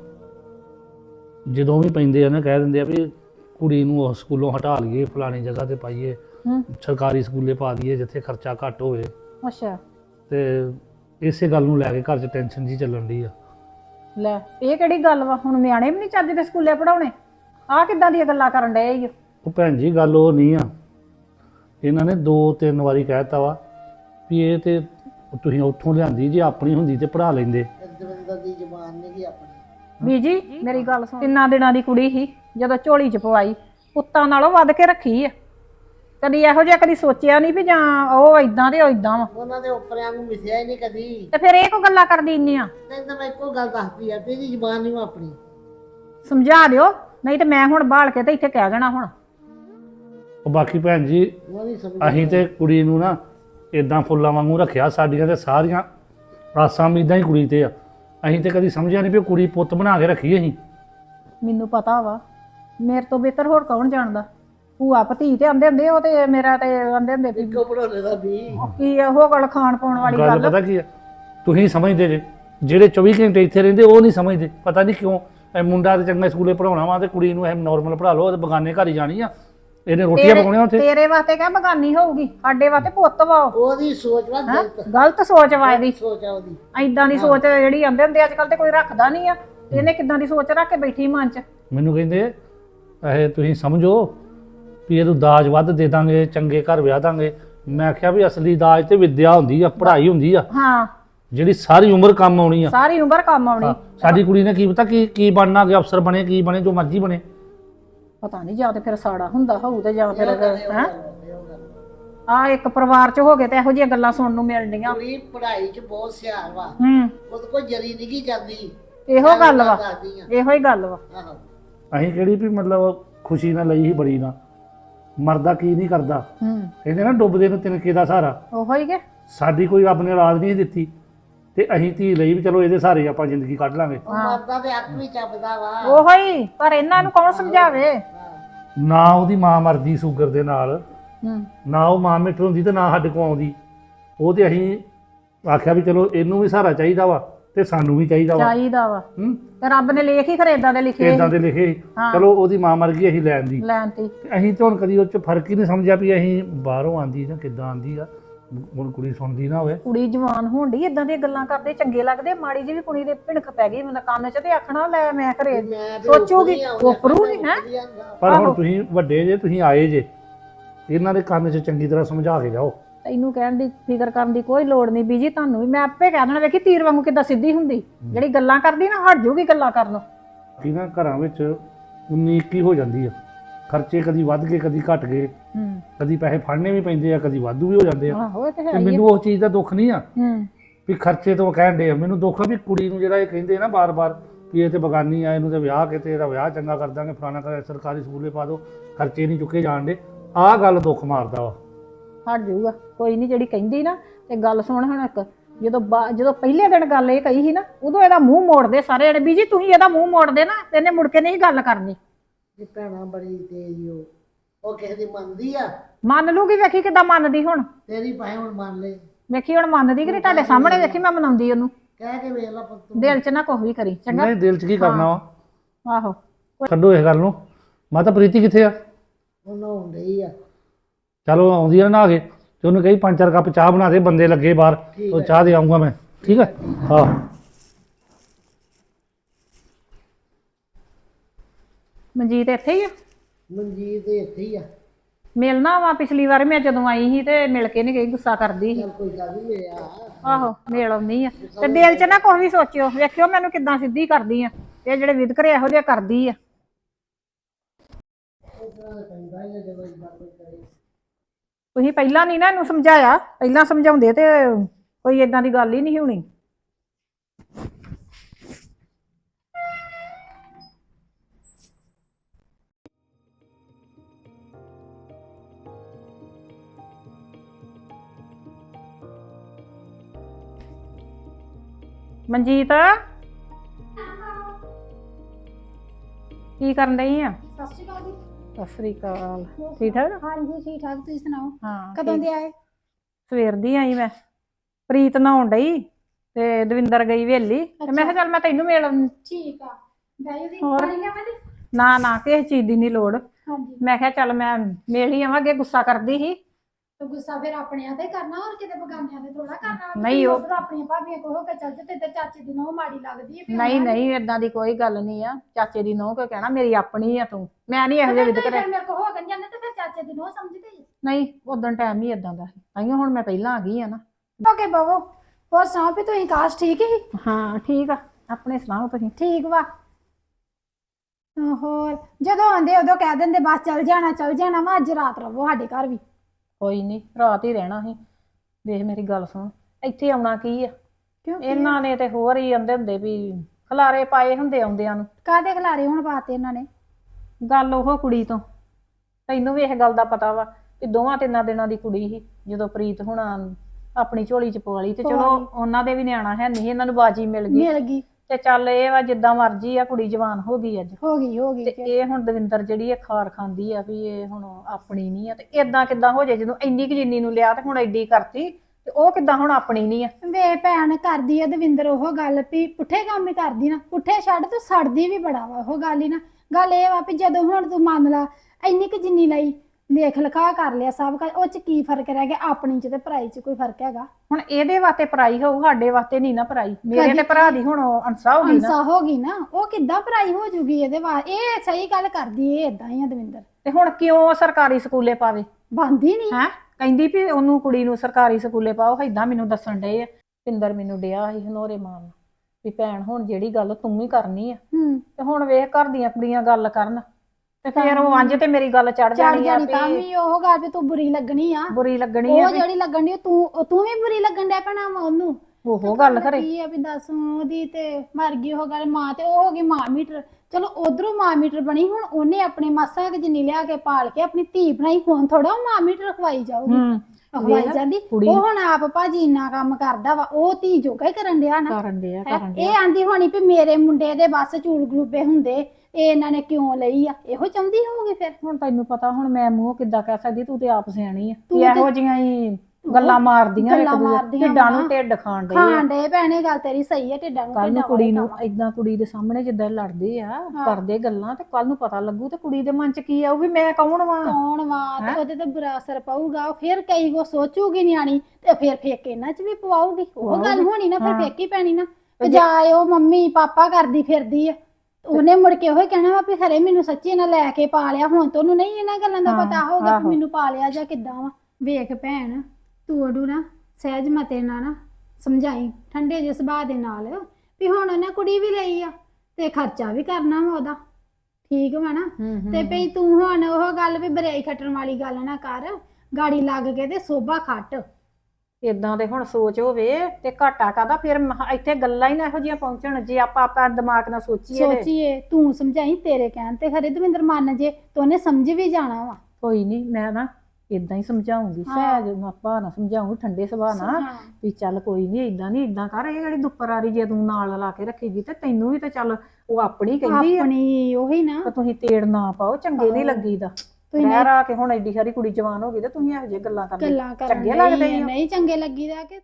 ਜਦੋਂ ਵੀ ਪੈਂਦੇ ਆ ਨਾ ਕਹਿ ਦਿੰਦੇ ਆ ਵੀ ਕੁੜੀ ਨੂੰ ਉਸ ਸਕੂਲੋਂ ਹਟਾ ਲਈਏ, ਫਲਾਣੀ ਜਗ੍ਹਾ ਤੇ ਪਾਈਏ,
ਹੂੰ
ਸਰਕਾਰੀ ਸਕੂਲੇ ਪਾ ਦਈਏ ਜਿੱਥੇ ਖਰਚਾ ਘੱਟ ਹੋਵੇ।
ਅੱਛਾ
ਤੇ ਇਸੇ ਗੱਲ ਨੂੰ ਲੈ ਕੇ ਘਰ 'ਚ ਟੈਨਸ਼ਨ ਜੀ ਚੱਲਣ ਦੀ ਆ।
ਲੈ ਇਹ ਕਿਹੜੀ ਗੱਲ ਵਾ? ਹੁਣ ਨਿਆਣੇ ਵੀ ਨਹੀਂ ਚੱਜ ਦੇ ਸਕੂਲੇ ਪੜਾਉਣੇ। ਆਹ ਕਿੱਦਾਂ ਦੀਆਂ ਗੱਲਾਂ ਕਰਨ ਡਏ ਈ ਓ?
ਉਹ ਭੈਣ ਜੀ ਗੱਲ ਉਹ ਨਹੀਂ ਆ। ਇਹਨਾਂ ਨੇ 2-3 ਵਾਰੀ ਕਹਿਤਾ ਵਾ ਵੀ ਇਹ ਤੇ ਤੁਸੀਂ ਉੱਥੋਂ ਲਿਆਂਦੀ, ਜੇ ਆਪਣੀ ਹੁੰਦੀ ਤੇ ਪੜ੍ਹਾ ਲੈਂਦੇ।
ਦਵਿੰਦਰ ਦੀ ਜ਼ੁਬਾਨ ਨਹੀਂ ਗਈ ਆਪਣੀ।
ਬੀਜੀ ਮੇਰੀ ਗੱਲ ਸੁਣ। ਤਿੰਨਾਂ ਦਿਨਾਂ ਦੀ ਕੁੜੀ ਸੀ ਜਦੋਂ ਝੋਲੀ 'ਚ ਪਵਾਈ, ਪੁੱਤਾਂ ਨਾਲੋਂ ਵੱਧ ਕੇ ਰੱਖੀ ਆ। ਕਦੀ ਇਹੋ ਜਿਹਾ ਕਦੀ ਸੋਚਿਆ ਨਹੀਂ ਵੀ ਜਾਂ ਉਹ ਇਦਾਂ ਤੇ ਉਹ ਇਦਾਂ ਵਾ।
ਉਹਨਾਂ ਦੇ ਉੱਪਰਿਆਂ ਨੂੰ ਮਿਸਿਆ ਹੀ ਨਹੀਂ ਕਦੀ।
ਤੇ ਫਿਰ ਇਹ ਕੋ ਗੱਲਾਂ ਕਰਦੀ ਇੰਨੀਆਂ?
ਤੈਨੂੰ ਮੈਂ ਇੱਕੋ ਗੱਲ ਦੱਸਦੀ ਆ, ਤੇਰੀ ਜ਼ੁਬਾਨ ਨਹੀਂ ਆਪਣੀ।
ਸਮਝਾ ਦਿਓ ਨਹੀਂ ਤੇ ਮੈਂ ਹੁਣ ਬਾਲ ਕੇ ਤੇ ਇੱਥੇ ਕਹਿ ਦੇਣਾ ਹੁਣ।
ਉਹ ਬਾਕੀ ਭੈਣ ਜੀ
ਉਹ ਨਹੀਂ ਸਮਝ।
ਅਸੀਂ ਤੇ ਕੁੜੀ ਨੂੰ ਨਾ ਇਦਾਂ ਫੁੱਲਾਂ ਵਾਂਗੂ ਰੱਖਿਆ। ਸਾਡੀਆਂ ਤੇ ਸਾਰੀਆਂ ਆਸਾਂ ਉਮੀਦਾਂ ਹੀ ਕੁੜੀ ਤੇ ਆ। ਅਸੀਂ ਤੇ ਕਦੀ ਸਮਝਿਆ ਨਹੀਂ ਵੀ ਕੁੜੀ ਪੁੱਤ ਬਣਾ ਕੇ ਰੱਖੀ ਅਸੀਂ।
ਮੈਨੂੰ ਪਤਾ ਵਾ, ਮੇਰੇ ਤੋਂ ਬਿਹਤਰ ਹੋਰ ਕੌਣ ਜਾਣਦਾ। ਭੂਆ ਭਤੀ ਤੇ ਆਂਦੇ ਹੁੰਦੇ, ਉਹ ਤੇ ਮੇਰਾ ਤੇ ਆਂਦੇ ਹੁੰਦੇ ਵੀ
ਇੱਕੋ ਪੜਾਉਣੇ ਦਾ ਵੀ।
ਕੀ ਉਹ ਗੱਲ ਖਾਣ ਪਾਉਣ ਵਾਲੀ
ਗੱਲ
ਗੱਲ।
ਪਤਾ ਕੀ ਆ, ਤੁਸੀਂ ਸਮਝਦੇ ਜੇ, ਜਿਹੜੇ 24 ਘੰਟੇ ਇੱਥੇ ਰਹਿੰਦੇ ਉਹ ਨਹੀਂ ਸਮਝਦੇ। ਪਤਾ ਨਹੀਂ ਕਿਉਂ ਇਹ ਮੁੰਡਾ ਤੇ ਚੰਗੇ ਸਕੂਲੇ ਪੜਾਉਣਾ ਵਾ ਤੇ ਕੁੜੀ ਨੂੰ ਇਹ ਨਾਰਮਲ ਪੜ੍ਹਾ ਲਓ ਤੇ ਬਗਾਨੇ ਘਰ ਹੀ ਜਾਣੀ ਆ। ਇਹਨੇ ਰੋਟੀਆਂ ਪਕਾਉਣੀਆਂ ਉੱਥੇ।
ਤੇਰੇ ਵਾਸਤੇ ਕਿਆ ਬਗਾਨੀ ਹੋਊਗੀ? ਸਾਡੇ ਵਾਸਤੇ ਪੁੱਤ ਵਾ ਉਹ।
ਉਹਦੀ ਸੋਚ ਵਾ ਗਲਤ।
ਗਲਤ ਸੋਚ ਵਾ ਇਹਦੀ।
ਸੋਚ ਆ ਉਹਦੀ।
ਐਦਾਂ ਦੀ ਸੋਚ ਜਿਹੜੀ ਆਂਦੇ ਹੁੰਦੇ ਅੱਜ ਕੱਲ ਤੇ ਕੋਈ ਰੱਖਦਾ ਨਹੀਂ ਆ। ਇਹਨੇ ਕਿੱਦਾਂ ਦੀ ਸੋਚ ਰੱਖ ਕੇ ਬੈਠੀ ਮਨ 'ਚ?
ਮੈਨੂੰ ਕਹਿੰਦੇ ਇਹ ਤੁਸੀਂ ਸਮਝੋ ਵੀ ਇਹਨੂੰ ਦਾਜ ਵੱਧ ਦੇ ਦਾਂਗੇ, ਚੰਗੇ ਘਰ ਵਿਆਹ ਦਾਂਗੇ। ਮੈਂ ਆਖਿਆ ਵੀ ਅਸਲੀ ਦਾਜ ਤੇ ਵਿੱਦਿਆ ਹੁੰਦੀ ਆ, ਪੜ੍ਹਾਈ ਹੁੰਦੀ ਆ,
ਹਾਂ
ਜਿਹੜੀ ਸਾਰੀ ਉਮਰ ਕੰਮ ਆਉਣੀ ਆ।
ਸਾਰੀ ਉਮਰ ਕੰਮ ਆਉਣੀ।
ਸਾਡੀ ਕੁੜੀ ਨੇ ਕੀ ਪਤਾ ਕੀ ਬਣਨਾ, ਕਿ ਅਫਸਰ ਬਣੇ, ਕੀ ਬਣੇ, ਜੋ ਮਰਜ਼ੀ ਬਣੇ।
ਪਤਾ ਨਹੀਂ ਜਾਂ ਤੇ ਫਿਰ ਸਾੜਾ ਹੁੰਦਾ ਹੋਊ ਤੇ ਜਾਂ ਫਿਰ ਹੈ ਆ ਇੱਕ ਪਰਿਵਾਰ 'ਚ ਹੋ ਗਏ ਤੇ ਇਹੋ ਜਿਹੀਆਂ ਗੱਲਾਂ ਸੁਣਨ ਨੂੰ ਮਿਲਣੀਆਂ।
ਕੁੜੀ ਪੜ੍ਹਾਈ 'ਚ ਬਹੁਤ ਸਿਆਰ ਵਾ।
ਹੂੰ
ਉਹਦੇ ਕੋਲ ਜਰੀ ਨਹੀਂ ਗੀ ਜਾਂਦੀ।
ਇਹੋ ਗੱਲ ਵਾ,
ਦੱਸਦੀ ਆ।
ਇਹੋ ਹੀ ਗੱਲ ਵਾ।
ਆਹੋ।
ਅਸੀਂ ਕਿਹੜੀ ਵੀ ਮਤਲਬ ਖੁਸ਼ੀ ਨਾਲ ਲਈ ਸੀ ਬੜੀ ਨਾ, ਮਰਦਾ ਕੀ ਨਹੀਂ ਕਰਦਾ।
ਹੂੰ
ਕਹਿੰਦੇ ਨਾ ਡੁੱਬਦੇ ਨੂੰ ਤਿਨਕੇ ਦਾ ਸਹਾਰਾ।
ਉਹੋ ਹੀ ਕੇ।
ਸਾਡੀ ਕੋਈ ਰੱਬ ਨੇ ਔਲਾਦ ਨਹੀਂ ਦਿੱਤੀ ਤੇ ਅਸੀਂ ਧੀ ਲਈ ਵੀ ਚਲੋ ਇਹਦੇ ਸਹਾਰੇ ਆਪਾਂ ਜ਼ਿੰਦਗੀ ਕੱਢ ਲਾਂਗੇ।
ਉਹ ਮਰਦਾ ਤੇ ਅੱਖ ਵੀ ਚੱਬਦਾ ਵਾ।
ਉਹੋ ਹੀ, ਪਰ ਇਹਨਾਂ ਨੂੰ ਕੌਣ ਸਮਝਾਵੇ?
ਨਾ ਉਹਦੀ ਮਾਂ ਮਰਦੀ ਸ਼ੂਗਰ ਦੇ ਨਾਲ,
ਹੂੰ
ਨਾ ਉਹ ਮਾਂ ਮਿੱਠ ਹੁੰਦੀ ਤੇ ਨਾ ਸਾਡੇ ਕੋਲ ਆਉਂਦੀ। ਉਹ ਤੇ ਅਸੀਂ ਆਖਿਆ ਵੀ ਚਲੋ ਇਹਨੂੰ ਵੀ ਸਹਾਰਾ ਚਾਹੀਦਾ ਵਾ ਤੇ ਸਾਨੂੰ ਵੀ ਚਾਹੀਦਾ ਵਾ।
ਚਾਹੀਦਾ ਵਾ ਤੇ ਰੱਬ ਨੇ ਲੇਖ ਹੀ ਖਰੇ ਏਦਾਂ ਦੇ ਲਿਖੇ
ਇਦਾਂ ਦੇ ਲਿਖੇ ਸੀ।
ਹਾਂ।
ਚਲੋ ਉਹਦੀ ਮਾਂ ਮਰ ਗਈ, ਅਸੀਂ ਲੈਣ ਦੀ।
ਲੈਣ ਤੇ
ਤੇ ਅਸੀਂ ਤਾਂ ਹੁਣ ਕਦੀ ਉਹ 'ਚ ਫਰਕ ਹੀ ਨਹੀਂ ਸਮਝਿਆ ਵੀ ਅਸੀਂ ਬਾਹਰੋਂ ਆਂਦੀ ਜਾਂ ਕਿੱਦਾਂ ਆਂਦੀ ਆ। ਹੁਣ ਕੁੜੀ ਸੁਣਦੀ ਨਾ ਹੋਵੇ।
ਕੁੜੀ ਜਵਾਨ ਹੋਣ ਡਈ ਏਦਾਂ ਦੀਆਂ ਗੱਲਾਂ ਕਰਦੇ ਚੰਗੇ ਲੱਗਦੇ। ਮਾੜੀ ਜਿਹੀ ਵੀ ਕੁੜੀ ਦੇ ਭਿਣਕ ਪੈ ਗਈ ਮੈਨੂੰ ਕੰਨ 'ਚ ਤੇ ਆਖਣਾ ਲੈ ਮੈਂ ਘਰੇ
ਮੈਂ ਵੀ
ਸੋਚੂਗੀ ਉਪਰੂ ਨਹੀਂ ਹੈ।
ਉੱਪਰ ਹੀ ਆਂਦਾ।
ਪਰ ਹੁਣ ਤੁਸੀਂ ਵੱਡੇ ਜੇ, ਤੁਸੀਂ ਆਏ ਜੇ, ਇਹਨਾਂ ਦੇ ਕੰਨ 'ਚ ਚੰਗੀ ਤਰ੍ਹਾਂ ਸਮਝਾ ਕੇ ਜਾਓ।
ਤੈਨੂੰ ਕਹਿਣ ਦੀ ਫਿਕਰ ਕਰਨ ਦੀ ਕੋਈ ਲੋੜ ਨਹੀਂ ਬੀਜੀ। ਤੁਹਾਨੂੰ ਵੀ ਮੈਂ ਆਪੇ ਕਹਿ ਦੇਣਾ, ਵੇਖੀ ਤੀਰ ਵਾਂਗੂ ਕਿੱਦਾਂ ਸਿੱਧੀ ਹੁੰਦੀ। ਜਿਹੜੀ ਗੱਲਾਂ ਕਰਦੀ ਨਾ ਹਟ ਜੂਗੀ ਗੱਲਾਂ ਕਰਨੋਂ।
ਕਿ ਨਾ ਘਰਾਂ ਵਿੱਚ 19-21 ਹੋ ਜਾਂਦੀ ਆ। ਖਰਚੇ ਕਦੀ ਵੱਧ ਗਏ, ਕਦੀ ਘਟ ਗਏ,
ਹੂੰ
ਕਦੀ ਪੈਸੇ ਫੜਨੇ ਵੀ ਪੈਂਦੇ ਆ, ਕਦੀ ਵਾਧੂ ਵੀ ਹੋ ਜਾਂਦੇ ਆ।
ਆਹੋ ਇਹ ਤੇ ਹੈ
ਤੇ
ਹੀ ਆ।
ਮੈਨੂੰ ਉਸ ਚੀਜ਼ ਦਾ ਦੁੱਖ ਨਹੀਂ ਆ
ਹੂੰ
ਵੀ ਖਰਚੇ ਤੋਂ ਕਹਿਣ ਦੇ ਆ। ਮੈਨੂੰ ਦੁੱਖ ਆ ਵੀ ਕੁੜੀ ਨੂੰ ਜਿਹੜਾ ਇਹ ਕਹਿੰਦੇ ਨਾ ਬਾਰ-ਬਾਰ ਵੀ ਇਹ ਤੇ ਬਗਾਨੀ ਆ, ਇਹਨੂੰ ਤੇ ਵਿਆਹ ਕੇ ਤੇ ਇਹਦਾ ਵਿਆਹ ਚੰਗਾ ਕਰ ਦਾਂਗੇ, ਫਲਾਣਾ ਕਰ, ਸਰਕਾਰੀ ਸਕੂਲੇ ਪਾ ਦਿਓ, ਖਰਚੇ ਨਹੀਂ ਚੁੱਕੇ ਜਾਣ ਦੇ। ਆਹ ਗੱਲ ਦੁੱਖ ਮਾਰਦਾ ਵਾ।
ਹਟ ਜਾਊਗਾ ਕੋਈ ਨਹੀਂ। ਜਿਹੜੀ ਕਹਿੰਦੀ ਨਾ ਤੇ ਗੱਲ ਸੁਣ ਹੁਣ ਇੱਕ, ਜਦੋਂ ਪਹਿਲੇ ਦਿਨ ਗੱਲ ਇਹ ਕਹੀ ਸੀ ਨਾ, ਉਦੋਂ ਇਹਦਾ ਮੂੰਹ ਮੋੜਦੇ ਸਾਰੇ ਜਣੇ। ਬੀਜੀ ਤੁਸੀਂ ਇਹਦਾ ਮੂੰਹ ਮੋੜਦੇ ਨਾ ਤੇ ਇਹਨੇ ਮੁੜ ਕੇ ਨਹੀਂ ਗੱਲ ਕਰਨੀ।
ਜੀ ਭੈਣਾ ਬੜੀ ਤੇਜ਼ ਓ। ਉਹ ਕਿਸੇ ਦੀ ਮੰਨਦੀ ਆ।
ਮੰਨ ਲੂਗੀ, ਵੇਖੀ ਕਿੱਦਾਂ ਮੰਨਦੀ ਹੁਣ।
ਤੇਰੀ ਭਾਵੇਂ ਹੁਣ ਮੰਨ ਲੈ,
ਵੇਖੀ ਹੁਣ ਮੰਨਦੀ ਕਿ ਨਹੀਂ, ਤੁਹਾਡੇ ਸਾਹਮਣੇ ਵੇਖੀ ਮੈਂ ਮਨਾਉਂਦੀ ਉਹਨੂੰ।
ਕਹਿ ਕੇ ਵੇਖ ਲਾ ਪੁੱਤ ਤੂੰ।
ਦਿਲ 'ਚ ਨਾ ਕੁਛ ਵੀ ਕਰੀ, ਚੰਗਾ।
ਨਹੀਂ ਦਿਲ 'ਚ ਕੀ ਕਰਨਾ ਵਾ,
ਆਹੋ
ਛੱਡੋ ਇਹ ਗੱਲ ਨੂੰ। ਮਾਤਾ ਪ੍ਰੀਤੀ ਕਿੱਥੇ ਆ?
ਉਹਨੂੰ ਹੁੰਦੀ ਆ।
ਚਲੋ ਆਉਂਦੀ ਆ ਨਾ ਆ ਕੇ ਤੇ ਉਹਨੂੰ ਕਹੀ 5-4 ਕੱਪ ਚਾਹ ਬਣਾ ਦੇ, ਬੰਦੇ ਲੱਗੇ ਬਾਹਰ,
ਠੀਕ
ਉਹ
ਹੈ।
ਚਾਹ ਦੇ ਆਉਂਗਾ ਮੈਂ, ਠੀਕ ਹੈ? ਹਾਂ
ਮਨਜੀਤ ਇੱਥੇ ਹੀ ਆ?
ਮਨਜੀਤ ਦੇ ਇੱਥੇ ਹੀ ਆ।
ਮਿਲਣਾ ਵਾ, ਪਿਛਲੀ ਵਾਰ ਮੈਂ ਜਦੋਂ ਆਈ ਸੀ ਤੇ ਮਿਲ ਕੇ ਨਹੀਂ ਗਈ, ਗੁੱਸਾ ਕਰਦੀ ਸੀ।
ਚੱਲ ਕੋਈ ਗੱਲ ਨਹੀਂ ਵੇ ਆ।
ਆਹੋ ਮਿਲ ਆਉਂਦੀ ਆ। ਤੇ ਦਿਲ 'ਚ ਨਾ ਕੁਛ ਵੀ ਸੋਚਿਓ, ਵੇਖਿਓ ਮੈਨੂੰ ਕਿੱਦਾਂ ਸਿੱਧੀ ਕਰਦੀ ਆ। ਇਹ ਜਿਹੜੇ ਵਿਤਕਰੇ ਇਹੋ ਜਿਹੇ ਕਰਦੀ ਆ।
ਇਸ ਤਰ੍ਹਾਂ ਦਾ ਪੈਂਦਾ ਹੀ ਆ ਜਦੋਂ ਇਦਾਂ ਕੋਈ ਕਰੇ।
ਤੁਸੀਂ ਪਹਿਲਾਂ ਨਹੀਂ ਨਾ ਇਹਨੂੰ ਸਮਝਾਇਆ, ਪਹਿਲਾਂ ਸਮਝਾਉਂਦੇ ਤੇ ਕੋਈ ਏਦਾਂ ਦੀ ਗੱਲ ਹੀ ਨਹੀਂ ਹੋਣੀ। ਮਨਜੀਤ ਕੀ ਕਰਨ ਡਈ ਆ?
ਸਤਿ ਸ਼੍ਰੀ ਅਕਾਲ ਜੀ।
ਸਤਿ ਸ੍ਰੀ ਅਕਾਲ। ਠੀਕ ਠਾਕ?
ਹਾਂਜੀ ਠੀਕ ਠਾਕ, ਤੁਸੀਂ ਸੁਣਾਓ
ਹਾਂ
ਕਦੋਂ
ਠੀਕ।
ਦੇ ਆਏ?
ਸਵੇਰ ਦੀ ਆਈ ਮੈਂ। ਪ੍ਰੀਤ ਨਹਾਉਣ ਡਈ ਤੇ ਦਵਿੰਦਰ ਗਈ ਵੇਲੀ ਤੇ ਮੈਂ ਕਿਹਾ ਚੱਲ ਮੈਂ ਤੈਨੂੰ ਮਿਲ ਆਉਂਦੀ।
ਠੀਕ ਆ, ਬੈਠੋ ਜੀ।
ਹੋਰ?
ਪਾਣੀ ਲਿਆਵਾਂ ਜੀ?
ਨਾ ਨਾ ਕਿਸੇ ਚੀਜ਼ ਦੀ ਨਹੀਂ ਲੋੜ।
ਹਾਂਜੀ,
ਮੈਂ ਕਿਹਾ ਚੱਲ ਮੈਂ ਮਿਲ ਹੀ ਆਵਾਂ, ਅੱਗੇ ਗੁੱਸਾ ਕਰਦੀ ਸੀ।
ਤੇ ਗੁੱਸਾ ਫਿਰ ਆਪਣਿਆਂ ਤੇ ਕਰਨਾ, ਹੋਰ ਕਿਤੇ ਬਗਾਨਿਆਂ ਤੇ ਥੋੜਾ ਕਰਨਾ।
ਨਹੀਂ, ਉਹ-
ਉਧਰ ਆਪਣੀਆਂ ਭਾਬੀਆਂ ਕੋਹ ਕੇ ਚੱਲ ਤੇ ਚਾਚੇ ਦੀ ਨੋਹ ਮਾੜੀ ਲੱਗਦੀ ਹੈ।
ਨਹੀਂ ਨਹੀਂ ਏਦਾਂ ਦੀ ਕੋਈ ਗੱਲ ਨਹੀਂ ਆ। ਚਾਚੇ ਦੀ ਨਹੁੰ ਕਿਉਂ ਕਹਿਣਾ, ਮੇਰੀ ਆਪਣੀ ਆ ਤੂੰ। ਮੈਂ ਨਹੀਂ ਇਹੋ ਜਿਹੇ ਵਿਤਕਰੇ।
ਫਿਰ ਮੇਰੇ ਕੋ ਹੋ ਗਏ ਜਾਂਦੇ ਤੇ ਫਿਰ ਚਾਚੇ ਦੀ ਨੋਹ ਸਮਝਦੇ ਹੀ।
ਨਹੀਂ ਉਦੋਂ ਟਾਈਮ ਹੀ ਏਦਾਂ ਦਾ ਸੀ, ਤਾਂਹੀਓ ਹੁਣ ਮੈਂ ਪਹਿਲਾਂ ਆ ਗਈ ਆ ਨਾ।
ਓਕੇ ਬਵੋ, ਹੋਰ ਸੁਣਾਓ ਵੀ ਤੁਸੀਂ ਕਾਸ਼ ਠੀਕ ਹੀ?
ਹਾਂ ਠੀਕ ਆ, ਆਪਣੇ ਸੁਣਾਓ ਤੁਸੀਂ?
ਠੀਕ ਵਾ। ਹੋਰ ਜਦੋਂ ਆਉਂਦੇ ਉਦੋਂ ਕਹਿ ਦਿੰਦੇ ਬਸ ਚੱਲ ਜਾਣਾ ਵਾ, ਅੱਜ ਰਾਤ ਰਵੋ ਸਾਡੇ ਘਰ ਵੀ।
ਕੋਈ ਨਹੀਂ, ਰਾਤ ਹੀ ਰਹਿਣਾ ਸੀ। ਵੇਖ ਮੇਰੀ ਗੱਲ ਸੁਣ, ਇੱਥੇ ਆਉਣਾ ਕੀ ਆ?
ਕਿਉਂ
ਇਹਨਾਂ ਨੇ ਤੇ ਹੋਰ ਹੀ ਆਂਦੇ ਹੁੰਦੇ ਵੀ ਖਲਾਰੇ ਪਾਏ ਹੁੰਦੇ ਆਉਂਦਿਆਂ ਨੂੰ।
ਕਾਹਦੇ ਖਿਲਾਰੇ ਹੁਣ ਪਾਤੇ ਇਹਨਾਂ ਨੇ?
ਗੱਲ ਉਹ ਕੁੜੀ ਤੋਂ। ਤੈਨੂੰ ਵੀ ਇਹ ਗੱਲ ਦਾ ਪਤਾ ਵਾ ਕਿ 2-3 ਦਿਨਾਂ ਦੀ ਕੁੜੀ ਸੀ ਜਦੋਂ ਪ੍ਰੀਤ ਹੁਣ ਆਪਣੀ ਝੋਲੀ ਚ ਪਵਾ ਲਈ। ਤੇ ਚਲੋ ਉਹਨਾਂ ਦੇ ਵੀ ਨਿਆਣਾ ਹੈ ਨਹੀਂ, ਇਹਨਾਂ ਨੂੰ ਬਾਜੀ ਮਿਲ ਗਈ। ਤੇ ਚੱਲ ਇਹ ਵਾ ਜਿੱਦਾਂ ਮਰਜੀ ਆ, ਕੁੜੀ ਜਵਾਨ ਹੋ ਗਈ ਅੱਜ।
ਹੋ ਗਈ
ਤੇ ਇਹ ਹੁਣ ਦਵਿੰਦਰ ਜਿਹੜੀ ਇਹ ਖਾਰ ਖਾਂਦੀ ਆ ਵੀ ਇਹ ਹੁਣ ਆਪਣੀ ਨਹੀਂ ਆ। ਤੇ ਏਦਾਂ ਕਿੱਦਾਂ ਹੋ ਜਾਏ ਜਦੋਂ ਇੰਨੀ ਕੁ ਜਿੰਨੀ ਨੂੰ ਲਿਆ ਤੇ ਹੁਣ ਐਡੀ ਕਰਤੀ, ਤੇ ਉਹ ਕਿੱਦਾਂ ਹੁਣ ਆਪਣੀ ਨਹੀਂ ਆ?
ਵੇ ਭੈਣ ਕਰਦੀ ਆ ਦਵਿੰਦਰ ਉਹ ਗੱਲ ਵੀ ਪੁੱਠੇ ਕੰਮ ਹੀ ਕਰਦੀ ਨਾ। ਪੁੱਠੇ ਛੱਡ ਤੂੰ ਸੜਦੀ ਵੀ ਬੜਾ ਵਾ ਉਹ ਗੱਲ ਹੀ ਨਾ। ਗੱਲ ਇਹ ਵਾ ਵੀ ਜਦੋਂ ਹੁਣ ਤੂੰ ਮੰਨ ਲਾ ਇੰਨੀ ਕੁ ਜਿੰਨੀ ਲਈ ਲੇਖ ਲਿਖਾ ਕਰ ਲਿਆ ਸਭ ਕੁਝ, ਉਹ ਚ ਕੀ ਫਰਕ ਰਹਿ ਗਿਆ? ਆਪਣੀ ਚ ਤੇ ਪਰਾਈ ਚ ਕੋਈ ਫਰਕ ਹੈਗਾ?
ਹੁਣ ਇਹਦੇ ਵਾਸਤੇ ਪਰਾਈ ਹੋਊ, ਸਾਡੇ ਵਾਸਤੇ ਨਹੀਂ ਨਾ ਪਰਾਈ। ਮੇਰੇ ਤੇ ਭਰਾ ਦੀ ਹੁਣ ਅਨਸਾ ਹੋ ਗਈ ਨਾ।
ਅੰਸਾ ਹੋ ਗਈ ਨਾ, ਉਹ ਕਿੱਦਾਂ ਪਰਾਈ ਹੋ ਜੂਗੀ ਇਹਦੇ ਬਾਅਦ? ਇਹ ਸਹੀ ਗੱਲ ਕਰਦੀ ਏ, ਏਦਾਂ ਹੀ ਆ ਦਵਿੰਦਰ।
ਤੇ ਹੁਣ ਕਿਉਂ ਸਰਕਾਰੀ ਸਕੂਲੇ ਪਾਵੇ?
ਬੰਦੀ ਨਹੀਂ
ਹੈ ਕਹਿੰਦੀ ਵੀ ਉਹਨੂੰ ਕੁੜੀ ਨੂੰ ਸਰਕਾਰੀ ਸਕੂਲੇ ਪਾਓ। ਏਦਾਂ ਮੈਨੂੰ ਦੱਸਣ ਡਏ ਆ। ਪਿੰਦਰ ਮੈਨੂੰ ਡਿਆ ਸੀ ਹਨੋਰੇ ਮਾਰਨ ਵੀ ਭੈਣ ਹੁਣ ਜਿਹੜੀ ਗੱਲ ਤੂੰ ਹੀ ਕਰਨੀ ਆ, ਤੇ ਹੁਣ ਵੇਖ ਘਰ ਦੀਆਂ ਕੁੜੀਆਂ ਗੱਲ ਕਰਨ ਤੇ ਫਿਰ ਉਹ ਅੰਜ ਤੇ ਮੇਰੀ ਗੱਲ ਚੜ ਜਾਣੀ ਆ
ਤਾਂ
ਵੀ
ਵੀ ਉਹ ਗੱਲ ਵੀ ਤੂੰ ਬੁਰੀ ਲੱਗਣੀ ਆ।
ਬੁਰੀ ਲੱਗਣੀ ਆ
ਉਹ ਜਿਹੜੀ ਲੱਗਣ ਦੀ ਤੂੰ ਵੀ ਬੁਰੀ ਲੱਗਣ ਡਿਆ ਪੈਣਾ ਵਾ ਉਹਨੂੰ।
ਉਹ ਗੱਲ ਖਰੇ।
ਕੀ ਆ ਵੀ ਦੱਸ, ਉਹਦੀ ਤੇ ਮਰ ਗਈ ਉਹ ਗੱਲ। ਮਾਂ ਤੇ ਉਹ ਹੋ ਗਈ ਮਾਂ ਮੀਟਰ। ਚਲੋ ਉਧਰੋਂ ਮਾਂ ਮੀਟਰ ਬਣੀ, ਹੁਣ ਉਹਨੇ ਆਪਣੀ ਮਾਸਾ ਕਿ ਜਿੰਨੀ ਲਿਆ ਕੇ ਪਾਲ ਕੇ ਆਪਣੀ ਧੀ ਬਣਾਈ, ਹੁਣ ਥੋੜਾ ਉਹ ਮਾਂ ਮੀਟਰ ਖਵਾਈ ਜਾਊਗੀ। ਖਵਾਈ ਜਾਂਦੀ ਉਹ ਹੁਣ ਆਪ ਭਾਜੀ ਇੰਨਾ ਕੰਮ ਕਰਦਾ ਵਾ, ਉਹ ਧੀ ਜੋਗਾ ਹੀ ਕਰਨ ਡਿਆ ਨਾ। ਇਹ ਆਂਦੀ ਹੋਣੀ ਵੀ ਮੇਰੇ ਮੁੰਡੇ ਦੇ ਬਸ ਚੂਲ ਗਲੂਬੇ ਹੁੰਦੇ, ਇਹ ਇਹਨਾਂ ਨੇ ਕਿਉਂ ਲਈ ਆ? ਇਹੋ ਚਾਹੁੰਦੀ ਹੋਊਗੀ ਫਿਰ।
ਹੁਣ ਤੈਨੂੰ ਪਤਾ, ਹੁਣ ਮੈਂ ਮੂੰਹ ਕਿੱਦਾਂ ਕਹਿ ਸਕਦੀ? ਤੂੰ ਤੇ ਆਪ ਸਿਆਣੀ ਆ। ਇਹੋ ਜਿਹੀਆਂ ਹੀ ਗੱਲਾਂ ਮਾਰਦੀਆਂ ਇੱਕ ਦੂਜੇ ਢਿੱਡਾਂ ਨੂੰ ਢਿੱਡ ਖਾਣ
ਡੇ ਭੈਣੇ। ਗੱਲ ਤੇਰੀ ਸਹੀ ਹੈ, ਢਿੱਡਾਂ ਨੂੰ।
ਕੱਲ ਨੂੰ ਕੁੜੀ ਨੂੰ ਏਦਾਂ ਕੁੜੀ ਦੇ ਸਾਹਮਣੇ ਜਿੱਦਾਂ ਲੜਦੇ ਆ ਕਰਦੇ ਗੱਲਾਂ, ਤੇ ਕੱਲ ਨੂੰ ਪਤਾ ਲੱਗੂ ਤੇ ਕੁੜੀ ਦੇ ਮਨ ਚ ਕੀ ਆਊ ਵੀ ਮੈਂ ਕੌਣ ਵਾਂ
ਤੇ ਉਹਦੇ ਤੇ ਬੁਰਾ ਅਸਰ ਪਊਗਾ। ਫਿਰ ਕਈ ਕੋ ਸੋਚੂਗੀ ਨਿਆਣੀ, ਤੇ ਫਿਰ ਫੇਕ ਇਹਨਾਂ ਚ ਵੀ ਪਵਾਉਗੀ। ਉਹ ਗੱਲ ਹੋਣੀ ਨਾ, ਫਿਰ ਫੇਕੀ ਪੈਣੀ ਨਾ। ਜਾਏ ਉਹ ਮੰਮੀ ਪਾਪਾ ਕਰਦੀ ਫਿਰਦੀ ਆ, ਉਹਨੇ ਮੁੜ ਕੇ ਉਹੀ ਕਹਿਣਾ ਵਾ ਵੀ ਖਰੇ ਮੈਨੂੰ ਸੱਚੀ ਨਾ ਲੈ ਕੇ ਪਾਲਿਆ। ਹੁਣ ਤਾਂ ਉਹਨੂੰ ਨਹੀਂ ਇਹਨਾਂ ਗੱਲਾਂ ਦਾ ਪਤਾ ਹੋਊਗਾ ਵੀ ਮੈਨੂੰ ਪਾਲਿਆ ਜਾਂ ਕਿੱਦਾਂ ਵਾ। ਵੇਖ ਭੈਣ, ਤੂੰ ਉਹਨੂੰ ਨਾ ਸਹਿਜ ਮਤੇ ਨਾ ਸਮਝਾਈ, ਠੰਡੇ ਜਿਹੇ ਸੁਭਾਅ ਦੇ ਨਾਲ ਵੀ ਹੁਣ ਉਹਨੇ ਕੁੜੀ ਵੀ ਲਈ ਆ ਤੇ ਖਰਚਾ ਵੀ ਕਰਨਾ ਵਾ ਉਹਦਾ, ਠੀਕ ਵਾ ਨਾ? ਤੇ ਭਈ ਤੂੰ ਹੁਣ ਉਹ ਗੱਲ ਵੀ ਬਰਿਆਈ ਖੱਟਣ ਵਾਲੀ ਗੱਲ ਨਾ ਕਰ, ਗਾੜੀ ਲੱਗ ਕੇ ਤੇ ਸੋਭਾ ਖੱਟ।
ਏਦਾਂ ਦੇ ਹੁਣ ਸੋਚ ਹੋਵੇ ਤੇ ਘਾਟਾ ਕਾਦਾ? ਫਿਰ ਇੱਥੇ ਗੱਲਾਂ ਹੀ ਨਾ ਇਹੋ ਜਿਹੀਆਂ ਪਹੁੰਚਣ ਜੇ ਆਪਾਂ ਦਿਮਾਗ ਨਾਲ
ਸੋਚੀਏ। ਤੂੰ ਸਮਝਾਈ, ਤੇਰੇ ਕਹਿਣ ਤੇ ਖਰੇ ਦਵਿੰਦਰ ਮੰਨ ਜੇ ਤਾਂ ਉਹਨੇ ਸਮਝ ਵੀ ਜਾਣਾ ਵਾ।
ਕੋਈ ਨਹੀਂ, ਮੈਂ ਨਾ ਏਦਾਂ ਹੀ ਸਮਝਾਉਂਗੀ, ਸਹਿਜ ਆਪਾਂ ਨਾ ਸਮਝਾਉਂ ਠੰਡੇ ਸੁਭਾਅ ਨਾਲ ਵੀ ਚੱਲ ਕੋਈ ਨਹੀਂ ਏਦਾਂ ਨਹੀਂ, ਏਦਾਂ ਕਰ। ਇਹ ਜਿਹੜੀ ਦੁੱਪਰਾਰੀ ਜੇ ਤੂੰ ਨਾਲ ਲਾ ਕੇ ਰੱਖੇਗੀ ਤੇ ਤੈਨੂੰ ਵੀ ਤੇ ਚੱਲ ਉਹ ਆਪਣੀ ਕਹਿੰਦੀ ਆ।
ਆਪਣੀ ਉਹੀ ਨਾ,
ਤੁਸੀਂ ਤੇੜ ਨਾ ਪਾਓ, ਚੰਗੇ ਨਹੀਂ ਲੱਗੀਦਾ।
ਤੁਸੀਂ
ਰਹਿ ਰਾ ਕੇ ਹੁਣ ਐਡੀ ਸਾਰੀ ਕੁੜੀ ਜਵਾਨ ਹੋ ਗਈ ਤੇ ਤੁਸੀਂ ਇਹੋ ਜਿਹੀ ਗੱਲਾਂ ਕਰਦੇ
ਗੱਲਾਂ ਕਰਨ
ਚੰਗੇ
ਡਏ
ਲੱਗਦੇ
ਆ,
ਹੀ ਹੋ।
ਨਹੀਂ ਚੰਗੇ ਲੱਗੀਦਾ ਕਿ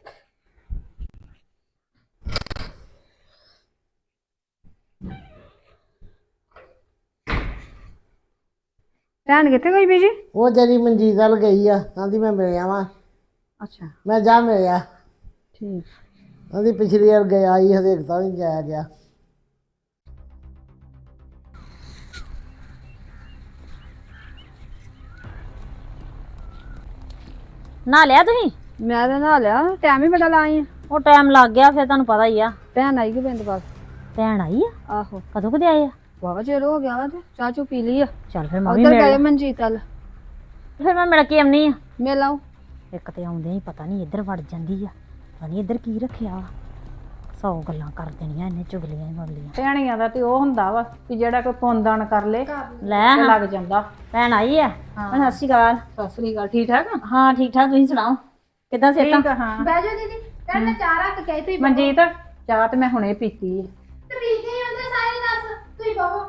ਭੈਣ ਕਿੱਥੇ ਗਈ ਬੀਜੀ?
ਉਹ ਜਿਹੜੀ ਮਨਜੀਤ ਵੱਲ ਗਈ ਆ ਕਹਿੰਦੀ ਮੈਂ ਮਿਲਿਆ ਵਾਂ।
ਅੱਛਾ
ਮੈਂ ਜਾ ਮਿਲਿਆ।
ਠੀਕ।
ਕਹਿੰਦੀ ਪਿਛਲੀ ਵਾਰ ਗਿਆ ਹੀ ਹਜੇ ਤਾਂ ਨਹੀਂ ਜਾਇਆ ਗਿਆ।
ਨਾ ਲਿਆ ਤੁਸੀਂ?
ਮੈਂ ਤਾਂ ਨਹਾ ਲਿਆ, ਟਾਈਮ ਹੀ ਬੜਾ ਲਾਈ ਆ।
ਉਹ ਟਾਈਮ ਲੱਗ ਗਿਆ ਫਿਰ ਤੁਹਾਨੂੰ ਪਤਾ ਹੀ ਆ।
ਭੈਣ ਆਈ ਕਿ ਬਿੰਦ ਬਾਅਦ?
ਭੈਣ ਆਈ ਆ?
ਆਹੋ
ਕਦੋਂ ਕਦੇ ਆਏ ਆ?
ਵਾਵਾ ਚਿਰ ਹੋ ਗਿਆ ਵਾ ਤੇ ਚਾਹ ਚੂ ਪੀ ਲਈ ਆ।
ਚੱਲ ਫਿਰ ਮੈਂ ਵੀ
ਉਧਰ ਗਏ
ਮਿਲ
ਮਨਜੀਤ ਵੱਲ।
ਫਿਰ ਮੈਂ ਮਿਲ ਕੇ ਆਉਣੀ ਆ।
ਮਿਲ ਆਓ।
ਇੱਕ ਤੇ ਆਉਂਦੇ ਹੀ ਪਤਾ ਨਹੀਂ ਇੱਧਰ ਵੜ ਜਾਂਦੀ ਆ, ਪਤਾ ਨਹੀਂ ਇੱਧਰ ਕੀ ਰੱਖਿਆ ਵਾ। 100 ਗੱਲਾਂ ਕਰ ਦੇਣੀਆਂ ਇਹਨੇ, ਚੁਗਲੀਆਂ ਹੀ ਮਗਲੀਆਂ।
ਭੈਣੀਆਂ ਦਾ ਤੇ ਉਹ ਹੁੰਦਾ ਵਾ ਕਿ ਜਿਹੜਾ ਕੋਈ ਪੁੰਨਦਾਨ ਕਰ ਲੇ
ਲੈ
ਤੇ
ਹਾਂ,
ਲੱਗ ਜਾਂਦਾ।
ਭੈਣ ਆਈ ਆ? ਸਤਿ ਸ਼੍ਰੀ ਅਕਾਲ।
ਸਤਿ ਸ੍ਰੀ ਅਕਾਲ। ਠੀਕ ਠਾਕ ਆ?
ਹਾਂ ਠੀਕ ਠਾਕ, ਤੁਸੀਂ ਸੁਣਾਓ ਕਿੱਦਾਂ
ਠੀਕ
ਸਿਹਤਾਂ?
ਆ, ਹਾਂ।
ਬਹਿ ਜਾਓ ਦੀਦੀ। ਭੈਣ ਮੈਂ ਚਾਹ ਰੱਖ ਕੇ ਆਈ, ਤੁਸੀਂ
ਮਨਜੀਤ ਚਾਹ ਤੇ ਮੈਂ ਹੁਣੇ ਪੀਤੀ ਆ।
ਤੇ ਪੀ ਕੇ ਆਉਂਦੇ ਸਾਰੇ ਦੱਸ ਤੁਸੀਂ ਬਹੋ।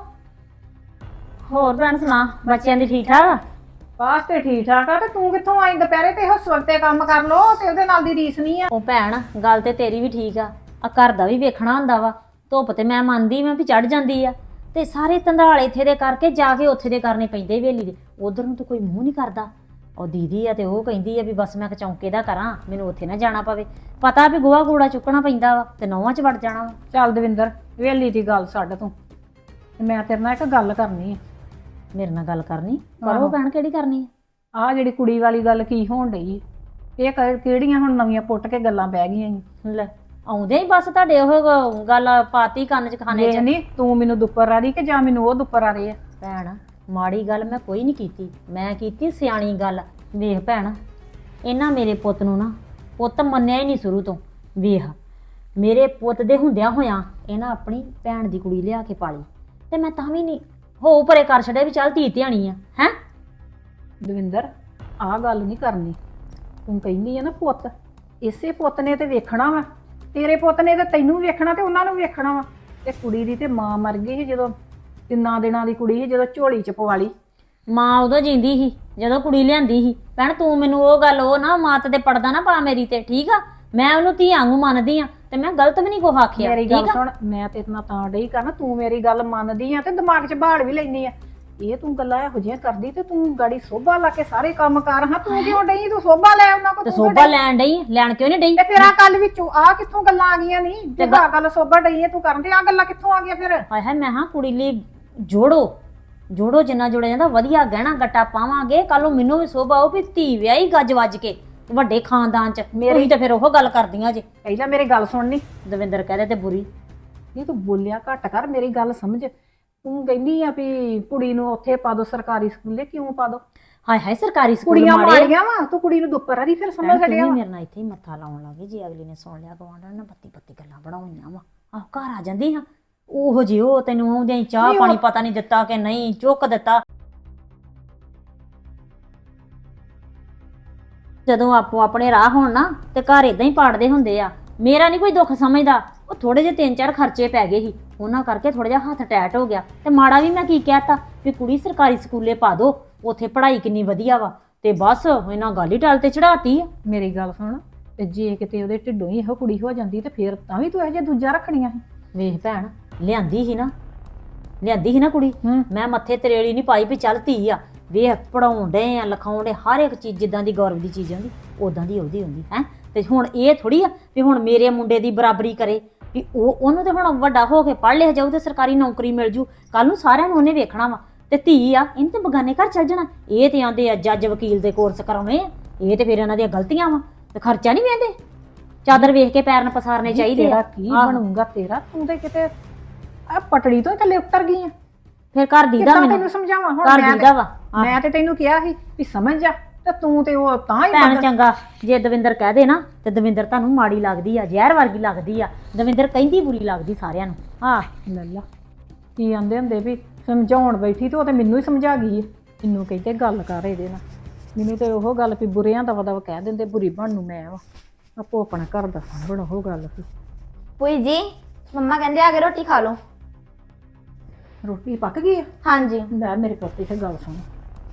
ਹੋਰ ਭੈਣ ਸੁਣਾ, ਬੱਚਿਆਂ ਦੀ ਠੀਕ ਠਾਕ ਆ?
ਬਾਸ ਤੇ ਠੀਕ ਠਾਕ ਆ। ਤੇ ਤੂੰ ਕਿੱਥੋਂ ਆਈ ਦੁਪਹਿਰੇ? ਤੇ ਉਸ ਵਕਤੇ ਕੰਮ ਕਰ ਲੋ ਤੇ ਉਹਦੇ ਨਾਲ ਦੀ ਰੀਸ ਨਹੀਂ ਆ।
ਉਹ ਭੈਣ ਗੱਲ ਤੇ ਤੇਰੀ ਵੀ ਠੀਕ ਆ ਘਰ ਦਾ ਵੀ ਵੇਖਣਾ ਹੁੰਦਾ ਵਾ। ਧੁੱਪ ਤੇ ਮੈਂ ਮੰਨਦੀ ਮੈਂ ਵੀ ਚੜ ਜਾਂਦੀ ਆ, ਤੇ ਸਾਰੇ ਧੰਦਾਲ ਇੱਥੇ ਦੇ ਕਰਕੇ ਜਾ ਕੇ ਉੱਥੇ ਦੇ ਕਰਨੇ ਪੈਂਦੇ ਵੇਲੀ ਦੇ। ਉਧਰ ਨੂੰ ਤਾਂ ਕੋਈ ਮੂੰਹ ਨਹੀਂ ਕਰਦਾ। ਉਹ ਦੀਦੀ ਆ ਤੇ ਉਹ ਕਹਿੰਦੀ ਆ ਵੀ ਬਸ ਮੈਂ ਚੌਂਕੇ ਦਾ ਕਰਾਂ, ਮੈਨੂੰ ਉੱਥੇ ਨਾ ਜਾਣਾ ਪਵੇ। ਪਤਾ ਵੀ ਗੋਹਾ ਕੂੜਾ ਚੁੱਕਣਾ ਪੈਂਦਾ ਵਾ ਤੇ ਨੌਵਾਂ 'ਚ ਵੜ ਜਾਣਾ ਵਾ।
ਚੱਲ ਦਵਿੰਦਰ, ਵੇਲੀ ਦੀ ਗੱਲ ਛੱਡ ਤੂੰ, ਤੇ ਮੈਂ ਤੇਰੇ ਨਾਲ ਇੱਕ ਗੱਲ ਕਰਨੀ ਆ।
ਮੇਰੇ ਨਾਲ ਗੱਲ ਕਰਨੀ? ਕਰੋ ਭੈਣ, ਕਿਹੜੀ ਕਰਨੀ ਆ?
ਆਹ ਜਿਹੜੀ ਕੁੜੀ ਵਾਲੀ ਗੱਲ ਕੀ ਹੋਣ ਡਈ ਇਹ ਕਿਹੜੀਆਂ ਹੁਣ ਨਵੀਆਂ ਪੁੱਟ ਕੇ ਗੱਲਾਂ ਬਹਿ ਗਈਆਂ ਈ?
ਲੈ ਆਉਂਦੇ ਹੀ ਬਸ ਤੁਹਾਡੇ ਉਹ ਗੱਲ ਪਾਤੀ ਕੰਨ 'ਚ ਖਾਣੇ 'ਚ।
ਵੇਖ ਨੀ ਤੂੰ ਮੈਨੂੰ ਦੁੱਪਰ ਆ ਰਹੀ ਕਿ ਜਾਂ ਮੈਨੂੰ ਉਹ ਦੁੱਪਰ ਆ ਰਹੇ ਆ?
ਭੈਣ ਮਾੜੀ ਗੱਲ ਮੈਂ ਕੋਈ ਨਹੀਂ ਕੀਤੀ, ਮੈਂ ਕੀਤੀ ਸਿਆਣੀ ਗੱਲ। ਵੇਖ ਭੈਣ, ਇਹਨਾਂ ਮੇਰੇ ਪੁੱਤ ਨੂੰ ਨਾ ਪੁੱਤ ਮੰਨਿਆ ਹੀ ਨਹੀਂ ਸ਼ੁਰੂ ਤੋਂ। ਵੇਖ ਮੇਰੇ ਪੁੱਤ ਦੇ ਹੁੰਦਿਆਂ ਹੋਇਆਂ ਇਹਨਾਂ ਆਪਣੀ ਭੈਣ ਦੀ ਕੁੜੀ ਲਿਆ ਕੇ ਪਾਲੀ, ਤੇ ਮੈਂ ਤਾਂ ਵੀ ਨਹੀਂ ਹੋ ਪਰੇ ਕਰ ਛੱਡਿਆ ਵੀ ਚੱਲ ਧੀ ਧਿਆਣੀ ਆ। ਹੈ
ਦਵਿੰਦਰ ਆਹ ਗੱਲ ਨਹੀਂ ਕਰਨੀ। ਤੂੰ ਕਹਿੰਦੀ ਆ ਨਾ ਪੁੱਤ, ਇਸੇ ਪੁੱਤ ਨੇ ਤੇ ਵੇਖਣਾ ਵਾ। ਤੇਰੇ ਪੁੱਤ ਨੇ ਤੇ ਤੈਨੂੰ ਵੀ ਵੇਖਣਾ ਤੇ ਉਹਨਾਂ ਨੂੰ ਵੀ ਵੇਖਣਾ ਵਾ। ਤੇ ਕੁੜੀ ਦੀ ਤੇ ਮਾਂ ਮਰ ਗਈ ਸੀ ਜਦੋਂ 3 ਦਿਨਾਂ ਦੀ ਕੁੜੀ ਸੀ, ਜਦੋਂ ਝੋਲੀ ਚ ਪਵਾ ਲਈ।
ਮਾਂ ਉਦੋਂ ਜਿੰਦੀ ਸੀ ਜਦੋਂ ਕੁੜੀ ਲਿਆਂਦੀ ਸੀ। ਭੈਣ ਤੂੰ ਮੈਨੂੰ ਉਹ ਗੱਲ ਉਹ ਨਾ ਮਾਤ ਤੇ ਪੜਦਾ ਨਾ ਪਾ ਮੇਰੀ ਤੇ, ਠੀਕ ਆ? ਮੈਂ ਉਹਨੂੰ ਧੀਆਂ ਵਾਂਗੂ ਮੰਨਦੀ ਆ ਤੇ ਮੈਂ ਗਲਤ ਵੀ ਨਹੀਂ ਕੋ ਆਖਿਆ।
ਮੇਰੀ ਗੱਲ
ਠੀਕ ਆ?
ਸੁਣ, ਮੈਂ ਤੇਰੇ ਨਾਲ ਤਾਂ ਡਈ ਕਰਨਾ, ਤੂੰ ਮੇਰੀ ਗੱਲ ਮੰਨਦੀ ਆ ਤੇ ਦਿਮਾਗ 'ਚ ਬਾੜ ਵੀ ਲੈਂਦੀ ਆ। ਇਹ ਤੂੰ ਗੱਲਾਂ ਇਹੋ ਜਿਹੀਆਂ ਕਰਦੀ ਤੇ ਤੂੰ ਗਾੜੀ ਸੋਭਾ ਲਾ ਕੇ ਸਾਰੇ ਕੰਮ ਕਰ। ਹਾਂ ਤੂੰ ਕਿਉਂ ਡਈ? ਤੂੰ ਸੋਭਾ ਲੈ ਉਹਨਾਂ ਕੋ।
ਤੇ ਸੋਭਾ ਲੈਣ ਡਈ, ਲੈਣ ਕਿਉਂ ਨਹੀਂ ਡਈ?
ਤੇ ਫਿਰ ਆ ਕੱਲ ਵਿੱਚੋਂ ਆ ਕਿੱਥੋਂ ਗੱਲਾਂ ਆ ਗਈਆਂ? ਨਹੀਂ ਤੇ ਆ ਗੱਲ ਸੋਭਾ ਡਈ ਆ ਤੂੰ ਕਰਨ ਤੇ ਆ ਗੱਲਾਂ ਕਿੱਥੋਂ ਆ ਗਈਆਂ ਫਿਰ?
ਹਾਏ ਹਾਏ, ਮੈਂ ਹਾਂ ਕੁੜੀ ਲਈ ਜੋੜੋ ਜਿੰਨਾ ਜੋੜਿਆ ਜਾਂਦਾ ਵਧੀਆ ਗਹਿਣਾ ਗੱਟਾ ਪਾਵਾਂਗੇ। ਕੱਲ ਨੂੰ ਮੈਨੂੰ ਵੀ ਸੋਭਾ ਆਊ ਵੀ ਧੀ ਵਿਆਹੀ ਗੱਜ ਵੱਜ ਕੇ ਵੱਡੇ ਖਾਨਦਾਨ ਚ। ਮੇਰੀ ਤਾਂ ਫਿਰ ਉਹ ਗੱਲ ਕਰਦੀਆਂ ਜੇ।
ਪਹਿਲਾਂ ਮੇਰੀ ਗੱਲ ਸੁਣਨੀ।
ਦਵਿੰਦਰ ਕਹਦੇ ਤੇ ਬੁਰੀ।
ਨਹੀਂ ਤੂੰ ਬੋਲਿਆ ਘੱਟ ਕਰ, ਮੇਰੀ ਗੱਲ ਸਮਝ। ਤੂੰ ਕਹਿੰਦੀ ਆ ਵੀ ਕੁੜੀ ਨੂੰ ਉੱਥੇ ਪਾ ਦੋ ਸਰਕਾਰੀ ਸਕੂਲੇ, ਕਿਉਂ ਪਾ ਦੋ?
ਹਾਏ ਹਾਏ, ਸਰਕਾਰੀ ਸਕੂਲ
ਕੁੜੀਆਂ
ਮਾੜੇ
ਮਾੜੀਆਂ ਵਾ, ਤੂੰ ਕੁੜੀ ਨੂੰ ਦੁੱਪਰ ਆ ਦੀ ਫਿਰ ਸਮਝ
ਤੂੰ
ਛੱਡਿਆ
ਵੀ
ਵਾ।
ਮੇਰੇ ਨਾਲ ਇੱਥੇ ਹੀ ਮੱਥਾ ਲਾਉਣ ਲੱਗੀ। ਜੇ ਅਗਲੀ ਨੇ ਸੁਣ ਲਿਆ ਗਵਾਂਢਣ ਨੇ ਬੱਤੀ ਗੱਲਾਂ ਬਣਾਉਣੀਆਂ ਵਾ। ਆਹ ਘਰ ਆ ਜਾਂਦੀ ਹਾਂ ਉਹੋ ਜਿਹੀ, ਉਹ ਤੈਨੂੰ ਆਉਂਦਿਆਂ ਹੀ ਚਾਹ ਪਾਣੀ ਪਤਾ ਨਹੀਂ ਦਿੱਤਾ ਕਿ ਨਹੀਂ ਚੁੱਕ ਦਿੱਤਾ। ਜਦੋਂ ਆਪੋ ਆਪਣੇ ਰਾਹ ਹੋਣ ਨਾ ਤੇ ਘਰ ਇਦਾਂ ਹੀ ਪਾੜਦੇ ਹੁੰਦੇ ਆ। ਮੇਰਾ ਨਹੀਂ ਕੋਈ ਦੁੱਖ ਸਮਝਦਾ। ਉਹ ਥੋੜੇ ਜਿਹੇ 3-4 ਖਰਚੇ ਪੈ ਗਏ ਸੀ, ਉਹਨਾਂ ਕਰਕੇ ਥੋੜਾ ਜਿਹਾ ਹੱਥ ਟੈਟ ਹੋ ਗਿਆ। ਤੇ ਮਾੜਾ ਵੀ ਮੈਂ ਕੀ ਕਹਿਤਾ ਵੀ ਕੁੜੀ ਸਰਕਾਰੀ ਸਕੂਲੇ ਪਾ ਦੋ, ਉੱਥੇ ਪੜ੍ਹਾਈ ਕਿੰਨੀ ਵਧੀਆ ਵਾ। ਤੇ ਬਸ ਇਹਨਾਂ ਗੱਲ ਹੀ ਟਲ ਤੇ ਚੜਾਤੀ ਆ।
ਮੇਰੀ ਗੱਲ ਸੁਣ, ਤੇ ਜੇ ਕਿਤੇ ਉਹਦੇ ਢਿੱਡੋਂ ਹੀ ਇਹੋ ਕੁੜੀ ਹੋ ਜਾਂਦੀ ਤੇ ਫਿਰ ਤਾਂ ਵੀ ਤੂੰ ਇਹੋ ਜਿਹਾ ਦੂਜਾ ਰੱਖਣੀਆਂ ਸੀ।
ਵੇਖ ਭੈਣ, ਲਿਆਂਦੀ ਸੀ ਨਾ ਕੁੜੀ। ਮੈਂ ਮੱਥੇ ਤਰੇੜੀ ਨਹੀਂ ਪਾਈ ਵੀ ਚੱਲ ਧੀ ਆ। ਵੇਖ ਪੜਾਉਣ ਡੇ ਆ, ਲਿਖਾਉਣ ਡੇ, ਹਰ ਇੱਕ ਚੀਜ਼ ਜਿੱਦਾਂ ਦੀ ਗੌਰਵ ਦੀ ਚੀਜ਼ ਹੁੰਦੀ ਉਦਾਂ ਦੀ ਉਹਦੀ ਹੁੰਦੀ ਹੈ। ਤੇ ਹੁਣ ਇਹ ਥੋੜੀ ਆ ਵੀ ਹੁਣ ਮੇਰੇ ਮੁੰਡੇ ਦੀ ਬਰਾਬਰੀ ਕਰੇ ਵੀ ਉਹਨੂੰ ਤੇ ਹੁਣ ਵੱਡਾ ਹੋ ਕੇ ਪੜ੍ਹ ਲਿਆ ਜਾਊ ਤੇ ਸਰਕਾਰੀ ਨੌਕਰੀ ਮਿਲ ਜੂ। ਕੱਲ ਨੂੰ ਸਾਰਿਆਂ ਨੂੰ ਉਹਨੇ ਵੇਖਣਾ ਵਾ। ਤੇ ਧੀ ਆ, ਇਹਨੂੰ ਤੇ ਬਗਾਨੇ ਘਰ ਚੱਲ ਜਾਣਾ। ਇਹ ਤੇ ਆਂਦੇ ਆ ਜੱਜ ਵਕੀਲ ਦੇ ਕੋਰਸ ਕਰਾਉਣੇ ਆ। ਇਹ ਤੇ ਫਿਰ ਇਹਨਾਂ ਦੀਆਂ ਗਲਤੀਆਂ ਵਾ ਤੇ ਖਰਚਾ ਨਹੀਂ ਵੇਂਦੇ। ਚਾਦਰ ਵੇਖ ਕੇ ਪੈਰ ਨ ਪਸਾਰਨੇ ਚਾਹੀਦੇ
ਤੇਰਾ
ਆ।
ਕੀ ਬਣੂਗਾ ਤੇਰਾ? ਤੂੰ ਤੇ ਕਿਤੇ ਆ ਪਟੜੀ ਤੋਂ ਥੱਲੇ ਉਤਰ ਗਈ ਆ।
ਫਿਰ ਘਰ ਦੀਦਾ
ਕਿੱਦਾਂ
ਮੈਨੂੰ
ਤੈਨੂੰ ਸਮਝਾਵਾਂ ਹੁਣ?
ਘਰ ਦੀਦਾ ਵਾ।
ਮੈਂ ਤੇ ਤੈਨੂੰ ਕਿਹਾ ਸੀ ਵੀ ਸਮਝ ਜਾ, ਤੇ ਤੂੰ ਤੇ ਉਹ ਤਾਂ ਹੀ
ਭੈਣ ਚੰਗਾ ਜੇ ਦਵਿੰਦਰ ਕਹਿ ਦੇ ਨਾ ਤੇ ਦਵਿੰਦਰ ਤੁਹਾਨੂੰ ਮਾੜੀ ਲੱਗਦੀ ਆ, ਜ਼ਹਿਰ ਵਰਗੀ ਲੱਗਦੀ ਆ। ਦਵਿੰਦਰ ਕਹਿੰਦੀ ਬੁਰੀ ਲੱਗਦੀ ਸਾਰਿਆਂ ਨੂੰ। ਹਾਂ
ਲੱਲਾ ਕੀ ਆਂਦੇ ਹੁੰਦੇ ਵੀ ਸਮਝਾਉਣ ਬੈਠੀ ਤੇ ਉਹ ਤੇ ਮੈਨੂੰ ਹੀ ਸਮਝਾ ਗਈ ਹੈ। ਮੈਨੂੰ ਕਹਿੰਦੇ ਗੱਲ ਕਰ ਇਹਦੇ ਨਾਲ। ਮੈਨੂੰ ਤੇ ਉਹ ਗੱਲ ਵੀ ਬੁਰਿਆਂ ਦਾ ਵਦਵ ਕਹਿ ਦਿੰਦੇ, ਬੁਰੀ ਬਣ ਨੂੰ ਮੈਂ ਵਾ। ਆਪੋ ਆਪਣਾ ਘਰ ਦਾ ਸਾਂਭਣ ਉਹ ਗੱਲ ਵੀ।
ਭੂਈ ਜੀ ਮੰਮਾ ਕਹਿੰਦੇ ਆ ਕੇ ਰੋਟੀ ਖਾ ਲਓ।
ਰੋਟੀ ਪੱਕ ਗਈ ਆ?
ਹਾਂਜੀ।
ਲੈ ਮੇਰੇ ਪੁੱਤ ਇੱਥੇ ਗੱਲ ਸੁਣ।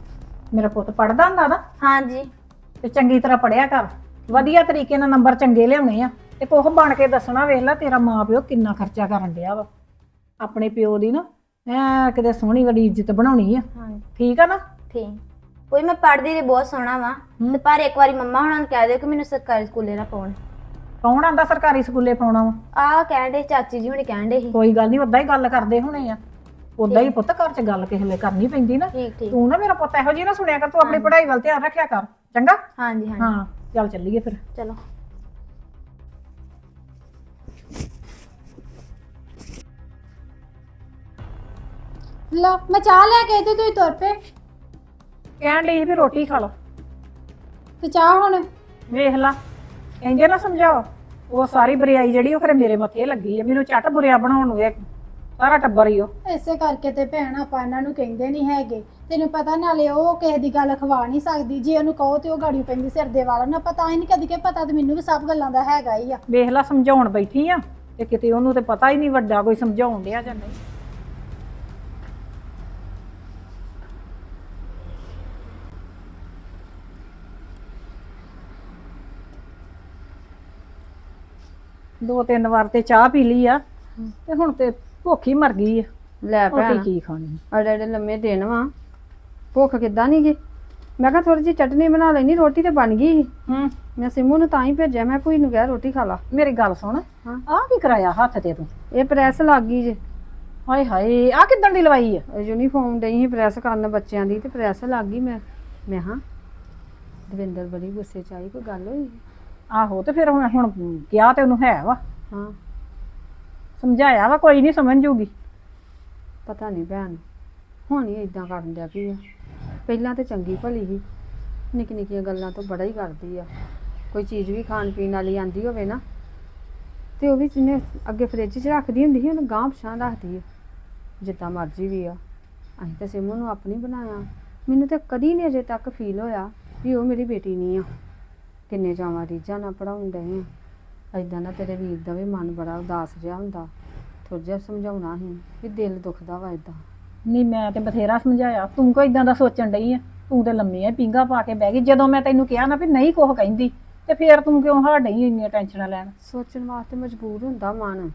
ਮੇਰਾ ਪੁੱਤ ਪੜਦਾ ਹੁੰਦਾ ਨਾ
ਹਾਂਜੀ
ਤੇ ਚੰਗੀ ਤਰ੍ਹਾਂ ਪੜਿਆ ਕਰ, ਵਧੀਆ ਤਰੀਕੇ ਨਾਲ ਨੰਬਰ ਚੰਗੇ ਲਿਆਉਣੇ ਆ ਤੇ ਕੁਛ ਬਣ ਕੇ ਦੱਸਣਾ। ਵੇਖ ਲੈ ਤੇਰਾ ਮਾਂ ਪਿਓ ਕਿੰਨਾ ਖਰਚਾ ਕਰਨ ਡਿਆ ਵਾ, ਆਪਣੇ ਪਿਓ ਦੀ ਨਾ ਐ ਕਿਤੇ ਸੋਹਣੀ ਵੱਡੀ ਇੱਜ਼ਤ ਬਣਾਉਣੀ ਆ।
ਹਾਂਜੀ
ਠੀਕ ਆ ਨਾ?
ਠੀਕ। ਕੋਈ ਮੈਂ ਪੜ੍ਹਦੀ ਤੇ ਬਹੁਤ ਸੋਹਣਾ ਵਾ ਤੇ ਪਰ ਇੱਕ ਵਾਰੀ ਮੰਮਾ ਹੁਣਾਂ ਨੂੰ ਕਹਿ ਦਿਓ ਕਿ ਮੈਨੂੰ ਸਰਕਾਰੀ ਸਕੂਲੇ ਨਾ ਪਾਉਣ।
ਕੌਣ ਆਂਦਾ ਸਰਕਾਰੀ ਸਕੂਲੇ ਪਾਉਣਾ ਵਾ?
ਆਹ ਕਹਿਣ ਦੇ ਚਾਚੀ ਜੀ ਹੁਣੇ ਕਹਿਣ ਦੇ ਸੀ।
ਕੋਈ ਗੱਲ ਨਹੀਂ, ਉਦਾਂ ਹੀ ਗੱਲ ਕਰਦੇ ਹੋਣੇ ਆ। ਉਦਾਂ ਹੀ ਪੁੱਤ ਘਰ 'ਚ ਗੱਲ ਕਿਸੇ ਵੇਲੇ ਕਰਨੀ ਪੈਂਦੀ ਨਾ।
ਠੀਕ ਠੀਕ।
ਤੂੰ ਨਾ ਮੇਰਾ ਪੁੱਤ ਇਹੋ ਜਿਹੀ ਨਾ ਸੁਣਿਆ ਕਰ, ਤੂੰ ਆਪਣੀ ਪੜ੍ਹਾਈ ਵੱਲ ਧਿਆਨ ਰੱਖਿਆ ਕਰ, ਚੰਗਾ?
ਹਾਂਜੀ ਹਾਂਜੀ
ਹਾਂ ਚੱਲ ਚੱਲੀਏ ਫਿਰ।
ਚਲੋ।
ਲਓ ਮੈਂ ਚਾਹ ਲੈ ਕੇ ਆਈ ਤੇ ਤੁਸੀਂ ਤੁਰ ਪਏ
ਕਹਿਣ ਲਈ ਵੀ ਰੋਟੀ ਖਾ ਲਓ।
ਤੇ ਚਾਹ ਹੁਣ
ਵੇਖ ਲਾ, ਇੰਜੇ ਨਾ ਸਮਝਾਓ। ਉਹ ਸਾਰੀ ਬੁਰਾਈ ਜਿਹੜੀ ਉਹ ਖਰੇ ਮੇਰੇ ਮੱਥੇ ਲੱਗੀ ਆ, ਮੈਨੂੰ ਝੱਟ ਬੁਰਿਆ ਬਣਾਉਣ ਨੂੰ ਇਹ ਸਾਰਾ ਟੱਬਰ ਹੀ ਉਹ।
ਇਸੇ ਕਰਕੇ ਤੇ ਭੈਣ ਆਪਾਂ ਇਹਨਾਂ ਨੂੰ ਕਹਿੰਦੇ ਨਹੀਂ ਹੈਗੇ। ਤੈਨੂੰ ਪਤਾ ਨਾਲੇ ਉਹ ਕਿਸੇ ਦੀ ਗੱਲ ਖਵਾ ਨਹੀਂ ਸਕਦੀ, ਜੇ ਉਹਨੂੰ ਕਹੋ ਤੇ ਉਹ ਗਾੜੀ ਪੈਂਦੀ ਸਿਰ ਦੇ ਵਾਲਾਂ ਨੂੰ। ਪਤਾ ਹੀ ਨਹੀਂ ਕਦੀ ਕਿ ਪਤਾ ਤੇ ਮੈਨੂੰ ਵੀ ਸਭ ਗੱਲਾਂ ਦਾ ਹੈਗਾ ਹੀ ਆ।
ਵੇਖ ਲਾ ਸਮਝਾਉਣ ਬੈਠੀ ਆ ਤੇ ਕਿਤੇ ਉਹਨੂੰ ਤੇ ਪਤਾ ਹੀ ਨਹੀਂ ਵੱਡਾ ਕੋਈ ਸਮਝਾਉਣ ਡਿਆ ਜਾਂ ਨਹੀਂ। ਦੋ ਤਿੰਨ ਵਾਰ ਤੇ ਚਾਹ ਪੀ ਲਈ ਆ ਤੇ ਹੁਣ ਤੇ ਭੁੱਖ ਹੀ ਮਰ ਗਈ ਆ।
ਲੈ
ਰੋਟੀ
ਭੈਣ
ਕੀ ਖਾਣੀ?
ਅੜੇ ਅੜੇ ਲੰਮੇ ਦਿਨ ਵਾ, ਭੁੱਖ ਕਿੱਦਾਂ ਨੀ ਗੀ। ਮੈਂ ਕਿਹਾ ਥੋੜੀ ਜਿਹੀ ਚਟਨੀ ਬਣਾ ਲੈਣੀ, ਰੋਟੀ ਤੇ ਬਣ ਗਈ ਸੀ। ਮੈਂ ਸਿੰਮੂ ਨੂੰ ਤਾਂ ਹੀ ਭੇਜਿਆ, ਮੈਂ ਭੂਈ ਨੂੰ ਕਿਹਾ ਰੋਟੀ ਖਾ ਲਾ।
ਮੇਰੀ ਗੱਲ ਸੁਣ,
ਹਾਂ।
ਆਹ ਕੀ ਕਰਾਇਆ ਹੱਥ ਤੇ ਤੂੰ?
ਇਹ ਪ੍ਰੈਸ ਲੱਗ ਗਈ ਜੇ,
ਹਾਏ ਹਾਏ, ਆਹ ਕਿੱਦਣ ਦੀ ਲਵਾਈ ਆ?
ਯੂਨੀਫਾਰਮ ਡਈ ਸੀ ਪ੍ਰੈਸ ਕਰਨ ਬੱਚਿਆਂ ਦੀ ਤੇ ਪ੍ਰੈਸ ਲੱਗ ਗਈ। ਮੈਂ ਹਾਂ ਦਵਿੰਦਰ ਬੜੀ ਗੁੱਸੇ ਚ ਆਈ, ਕੋਈ ਗੱਲ ਹੋਈ?
ਆਹੋ ਤੇ ਫਿਰ ਹੁਣ ਕਿਹਾ ਤੇ ਉਹਨੂੰ ਹੈ ਵਾ,
ਹਾਂ
ਸਮਝਾਇਆ ਵਾ, ਕੋਈ ਨਹੀਂ ਸਮਝ ਜੂਗੀ।
ਪਤਾ ਨਹੀਂ ਭੈਣ ਹੁਣ ਹੀ ਇਦਾਂ ਕਰਨ ਡਿਆ ਪਈ ਆ। ਪਹਿਲਾਂ ਤੇ ਚੰਗੀ ਭਲੀ ਸੀ, ਨਿੱਕੀ ਨਿੱਕੀਆਂ ਗੱਲਾਂ ਤੋਂ ਬੜਾ ਹੀ ਕਰਦੀ ਆ। ਕੋਈ ਚੀਜ਼ ਵੀ ਖਾਣ ਪੀਣ ਵਾਲੀ ਆਂਦੀ ਹੋਵੇ ਨਾ ਤੇ ਉਹ ਵੀ ਜਿਹਨੇ ਅੱਗੇ ਫ੍ਰਿਜ 'ਚ ਰੱਖਦੀ ਹੁੰਦੀ ਸੀ, ਉਹਨੂੰ ਗਾਂਹ ਪਛਾਣ ਰੱਖਦੀ ਆ ਜਿੱਦਾਂ ਮਰਜ਼ੀ ਵੀ ਆ। ਅਸੀਂ ਤਾਂ ਸਿੰਮੂ ਨੂੰ ਆਪਣੀ ਬਣਾਇਆ, ਮੈਨੂੰ ਤਾਂ ਕਦੀ ਨਹੀਂ ਅਜੇ ਤੱਕ ਫੀਲ ਹੋਇਆ ਵੀ ਉਹ ਮੇਰੀ ਬੇਟੀ ਨਹੀਂ ਆ। ਕਿੰਨੇ ਚਾਵਾਂ ਰੀਝਾਂ ਨਾਲ ਪੜ੍ਹਾਉਣ ਡਏ ਆ। ਏਦਾਂ ਨਾ ਤੇਰੇ ਵੀਰ ਦਾ ਵੀ ਮਨ ਬੜਾ ਉਦਾਸ ਜਿਹਾ ਹੁੰਦਾ। ਥੋੜ੍ਹਾ ਜਿਹਾ ਸਮਝਾਉਣਾ ਸੀ ਵੀ ਦਿਲ ਦੁਖਦਾ ਵਾ ਏਦਾਂ।
ਨਹੀਂ ਮੈਂ ਤੇ ਬਥੇਰਾ ਸਮਝਾਇਆ, ਤੂੰ ਕੋਈ ਇਦਾਂ ਦਾ ਸੋਚਣ ਡਈ ਆ? ਤੂੰ ਤੇ ਲੰਮੀਆਂ ਪੀਂਘਾਂ ਪਾ ਕੇ ਬਹਿ ਗਈ ਜਦੋਂ ਮੈਂ ਤੈਨੂੰ ਕਿਹਾ ਨਾ ਵੀ ਨਹੀਂ ਕੁਛ ਕਹਿੰਦੀ, ਤੇ ਫੇਰ ਤੂੰ ਕਿਉਂ ਹਾਰ ਡਈ ਇੰਨੀਆਂ ਟੈਨਸ਼ਨਾਂ ਲੈਣ?
ਸੋਚਣ ਵਾਸਤੇ ਮਜਬੂਰ ਹੁੰਦਾ ਮਨ।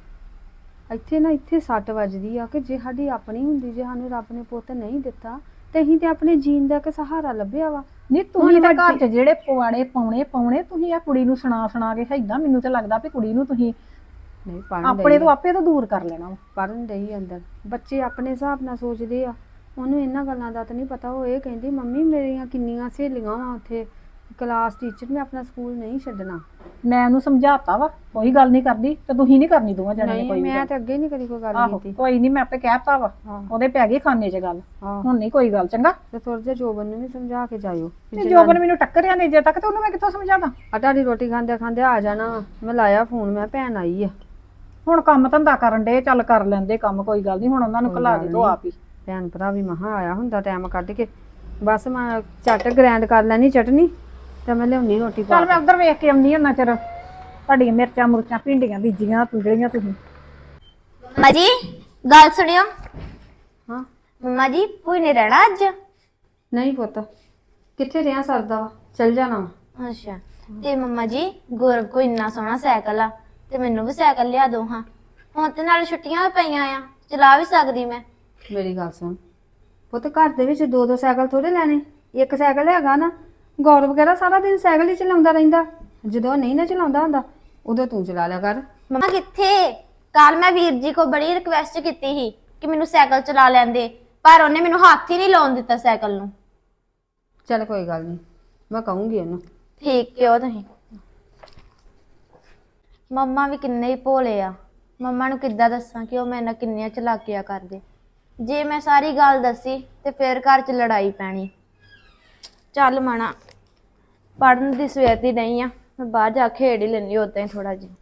ਇੱਥੇ ਸੱਟ ਵੱਜਦੀ ਆ ਕਿ ਜੇ ਸਾਡੀ ਆਪਣੀ ਹੁੰਦੀ, ਜੇ ਸਾਨੂੰ ਰੱਬ ਨੇ ਪੁੱਤ ਨਹੀਂ ਦਿੱਤਾ ਤੇ ਅਸੀਂ ਤੇ ਆਪਣੇ ਜੀਣ ਦਾ ਇੱਕ ਸਹਾਰਾ ਲੱਭਿਆ ਵਾ।
ਨਹੀਂ ਤੁਸੀਂ ਤਾਂ ਘਰ 'ਚ ਜਿਹੜੇ ਪਵਾੜੇ ਪਾਉਣੇ ਤੁਸੀਂ ਆ ਕੁੜੀ ਨੂੰ ਸੁਣਾ ਕੇ ਏਦਾਂ, ਮੈਨੂੰ ਤਾਂ ਲੱਗਦਾ ਵੀ ਕੁੜੀ ਨੂੰ ਤੁਸੀਂ
ਨਹੀਂ ਪੜ੍ਹਨ
ਆਪਣੇ ਤੋਂ ਆਪੇ ਤੋਂ ਦੂਰ ਕਰ ਲੈਣਾ ਵਾ।
ਪੜ੍ਹਨ ਡਈ ਅੰਦਰ, ਬੱਚੇ ਆਪਣੇ ਹਿਸਾਬ ਨਾਲ ਸੋਚਦੇ ਆ। ਉਹਨੂੰ ਇਹਨਾਂ ਗੱਲਾਂ ਦਾ ਤਾਂ ਨਹੀਂ ਪਤਾ। ਉਹ ਇਹ ਕਹਿੰਦੀ ਮੰਮੀ ਮੇਰੀਆਂ ਕਿੰਨੀਆਂ ਸਹੇਲੀਆਂ ਵਾ ਉੱਥੇ ਕਲਾਸ ਟੀਚਰ, ਮੈਂ ਆਪਣਾ ਸਕੂਲ ਨਹੀਂ ਛੱਡਣਾ।
ਮੈਂ ਉਹਨੂੰ ਸਮਝਾਤਾ ਵਾ, ਕੋਈ ਗੱਲ ਨਹੀਂ ਕਰਦੀ ਤੇ ਤੁਸੀਂ ਨਹੀਂ ਕਰਨੀ ਦੋਵਾਂ ਜਣਿਆਂ ਨੇ ਕੋਈ
ਨਹੀਂ
ਵੀ
ਮੈਂ
ਗੱਲ।
ਤੇ ਅੱਗੇ ਨਹੀਂ ਕਦੀ ਕੋਈ ਗੱਲ
ਆਹੋ
ਕੀਤੀ।
ਕੋਈ ਨਹੀਂ, ਮੈਂ ਆਪੇ ਕਹਿਤਾ ਵਾ,
ਹਾਂ।
ਉਹਦੇ ਪੈ ਗਈ ਖਾਨੇ 'ਚ ਗੱਲ।
ਹਾਂ
ਹੁਣ ਨਹੀਂ ਕੋਈ ਗੱਲ, ਚੰਗਾ?
ਤੇ ਥੋੜਾ ਜਿਹਾ ਜੋਬਨ ਨੂੰ ਵੀ ਸਮਝਾ ਕੇ ਜਾਇਓ।
ਤੇ ਜੋਬਨ ਮੈਨੂੰ ਟੱਕਰਿਆ ਨਹੀਂ ਜੇ ਤੱਕ, ਤੇ ਉਹਨੂੰ ਮੈਂ ਕਿੱਥੋਂ ਸਮਝਾਦਾ?
ਆ ਤੁਹਾਡੀ ਰੋਟੀ ਖਾਂਦੇ ਖਾਂਦੇ ਆ ਜਾਣਾ ਵਾ। ਮੈਂ ਲਾਇਆ ਫੋਨ, ਮੈਂ ਭੈਣ ਆਈ ਆ।
ਹੁਣ ਕੰਮ ਧੰਦਾ ਕਰਨ ਦੇ, ਚੱਲ ਕਰ ਲੈਂਦੇ ਕੰਮ, ਕੋਈ ਗੱਲ ਨਹੀਂ। ਹੁਣ ਉਹਨਾਂ ਨੂੰ
ਕੋਈ
ਘਲਾ
ਗੱਲ
ਦੇ ਦੋ
ਨੀ।
ਆਪ ਹੀ।
ਭੈਣ ਭਰਾ ਵੀ ਮਹਾ ਆਇਆ ਹੁੰਦਾ ਟਾਈਮ ਕੱਢ ਕੇ। ਬਸ ਮੈਂ ਝੱਟ ਗ੍ਰੈਂਡ ਕਰ ਲੈਣੀ ਚਟਨੀ ਤੇ ਮੈਂ ਲਿਆਉਣੀ ਰੋਟੀ ਪਾ
ਚੱਲ ਮੈਂ ਉਧਰ ਵੇਖ ਕੇ ਆਉਂਦੀ ਹਾਂ ਚਿਰ। ਤੁਹਾਡੀਆਂ ਮਿਰਚਾਂ ਮੁਰਚਾਂ ਭਿੰਡੀਆਂ ਬੀਜੀਆਂ ਤੂੰ ਜਿਹੜੀਆਂ ਤੁਸੀਂ।
ਮੰਮਾ ਜੀ ਗੱਲ ਸੁਣਿਓ।
ਹਾਂ
ਮੰਮਾ ਜੀ ਭੂਈ ਨੇ ਰਹਿਣਾ ਅੱਜ?
ਨਹੀਂ ਪੁੱਤ, ਕਿੱਥੇ ਰਿਆਂ ਸਰਦਾ ਵਾ, ਚੱਲ ਜਾਣਾ ਵਾ।
ਅੱਛਾ। ਤੇ ਮੰਮਾ ਜੀ ਗੌਰਵ ਕੋ ਇੰਨਾ ਸੋਹਣਾ ਸਾਈਕਲ ਆ ਤੇ ਮੈਨੂੰ ਵੀ ਸਾਈਕਲ ਲਿਆ ਦੋ ਹਾਂ। ਹੁਣ ਤੇ ਨਾਲ ਛੁੱਟੀਆਂ ਵੀ ਪਈਆਂ ਆ, ਚਲਾ ਵੀ ਸਕਦੀ ਮੈਂ।
ਮੇਰੀ ਗੱਲ ਸੁਣ ਪੁੱਤ, ਘਰ ਦੇ ਵਿੱਚ ਦੋ ਦੋ ਸਾਈਕਲ ਥੋੜੇ ਲੈਣੇ। ਇੱਕ ਸਾਈਕਲ ਹੈਗਾ ਨਾ, ਗੌਰਵ ਵਗੈਰਾ ਸਾਰਾ ਦਿਨ ਸਾਈਕਲ ਹੀ ਚਲਾਉਂਦਾ ਰਹਿੰਦਾ। ਜਦੋਂ ਨਹੀਂ ਨਾ ਚਲਾਉਂਦਾ ਹੁੰਦਾ ਉਦੋਂ ਤੂੰ ਚਲਾ ਲਿਆ ਕਰ।
ਮੰਮਾ ਕਿੱਥੇ? ਕੱਲ ਮੈਂ ਵੀਰ ਜੀ ਕੋ ਬੜੀ ਰਿਕਵੈਸਟ ਕੀਤੀ ਸੀ ਕਿ ਮੈਨੂੰ ਸਾਈਕਲ ਚਲਾ ਲੈਂਦੇ, ਪਰ ਉਹਨੇ ਮੈਨੂੰ ਹੱਥ ਹੀ ਨਹੀਂ ਲਾਉਣ ਦਿੱਤਾ ਸਾਈਕਲ ਨੂੰ।
ਚੱਲ ਕੋਈ ਗੱਲ ਨਹੀਂ, ਮੈਂ ਕਹੂੰਗੀ ਉਹਨੂੰ।
ਠੀਕ ਕਿਉਂ ਤੁਸੀਂ? ਮੰਮਾ ਵੀ ਕਿੰਨੇ ਹੀ ਭੋਲੇ ਆ। ਮੰਮਾ ਨੂੰ ਕਿੱਦਾਂ ਦੱਸਾਂ ਕਿ ਉਹ ਮੇਰੇ ਨਾਲ ਕਿੰਨੀਆਂ ਚਲਾਕੀਆਂ ਕਰਦੇ। ਜੇ ਮੈਂ ਸਾਰੀ ਗੱਲ ਦੱਸੀ ਤੇ ਫਿਰ ਘਰ 'ਚ ਲੜਾਈ ਪੈਣੀ। ਚੱਲ ਮਣਾ, ਪੜ੍ਹਨ ਦੀ ਸਵੇਰ ਦੀ ਨਹੀਂ ਆ, ਮੈਂ ਬਾਹਰ ਜਾ ਕੇ ਖੇਡ ਹੀ ਲੈਂਦੀ ਉਦਾਂ ਹੀ ਥੋੜਾ ਜਿਹਾ।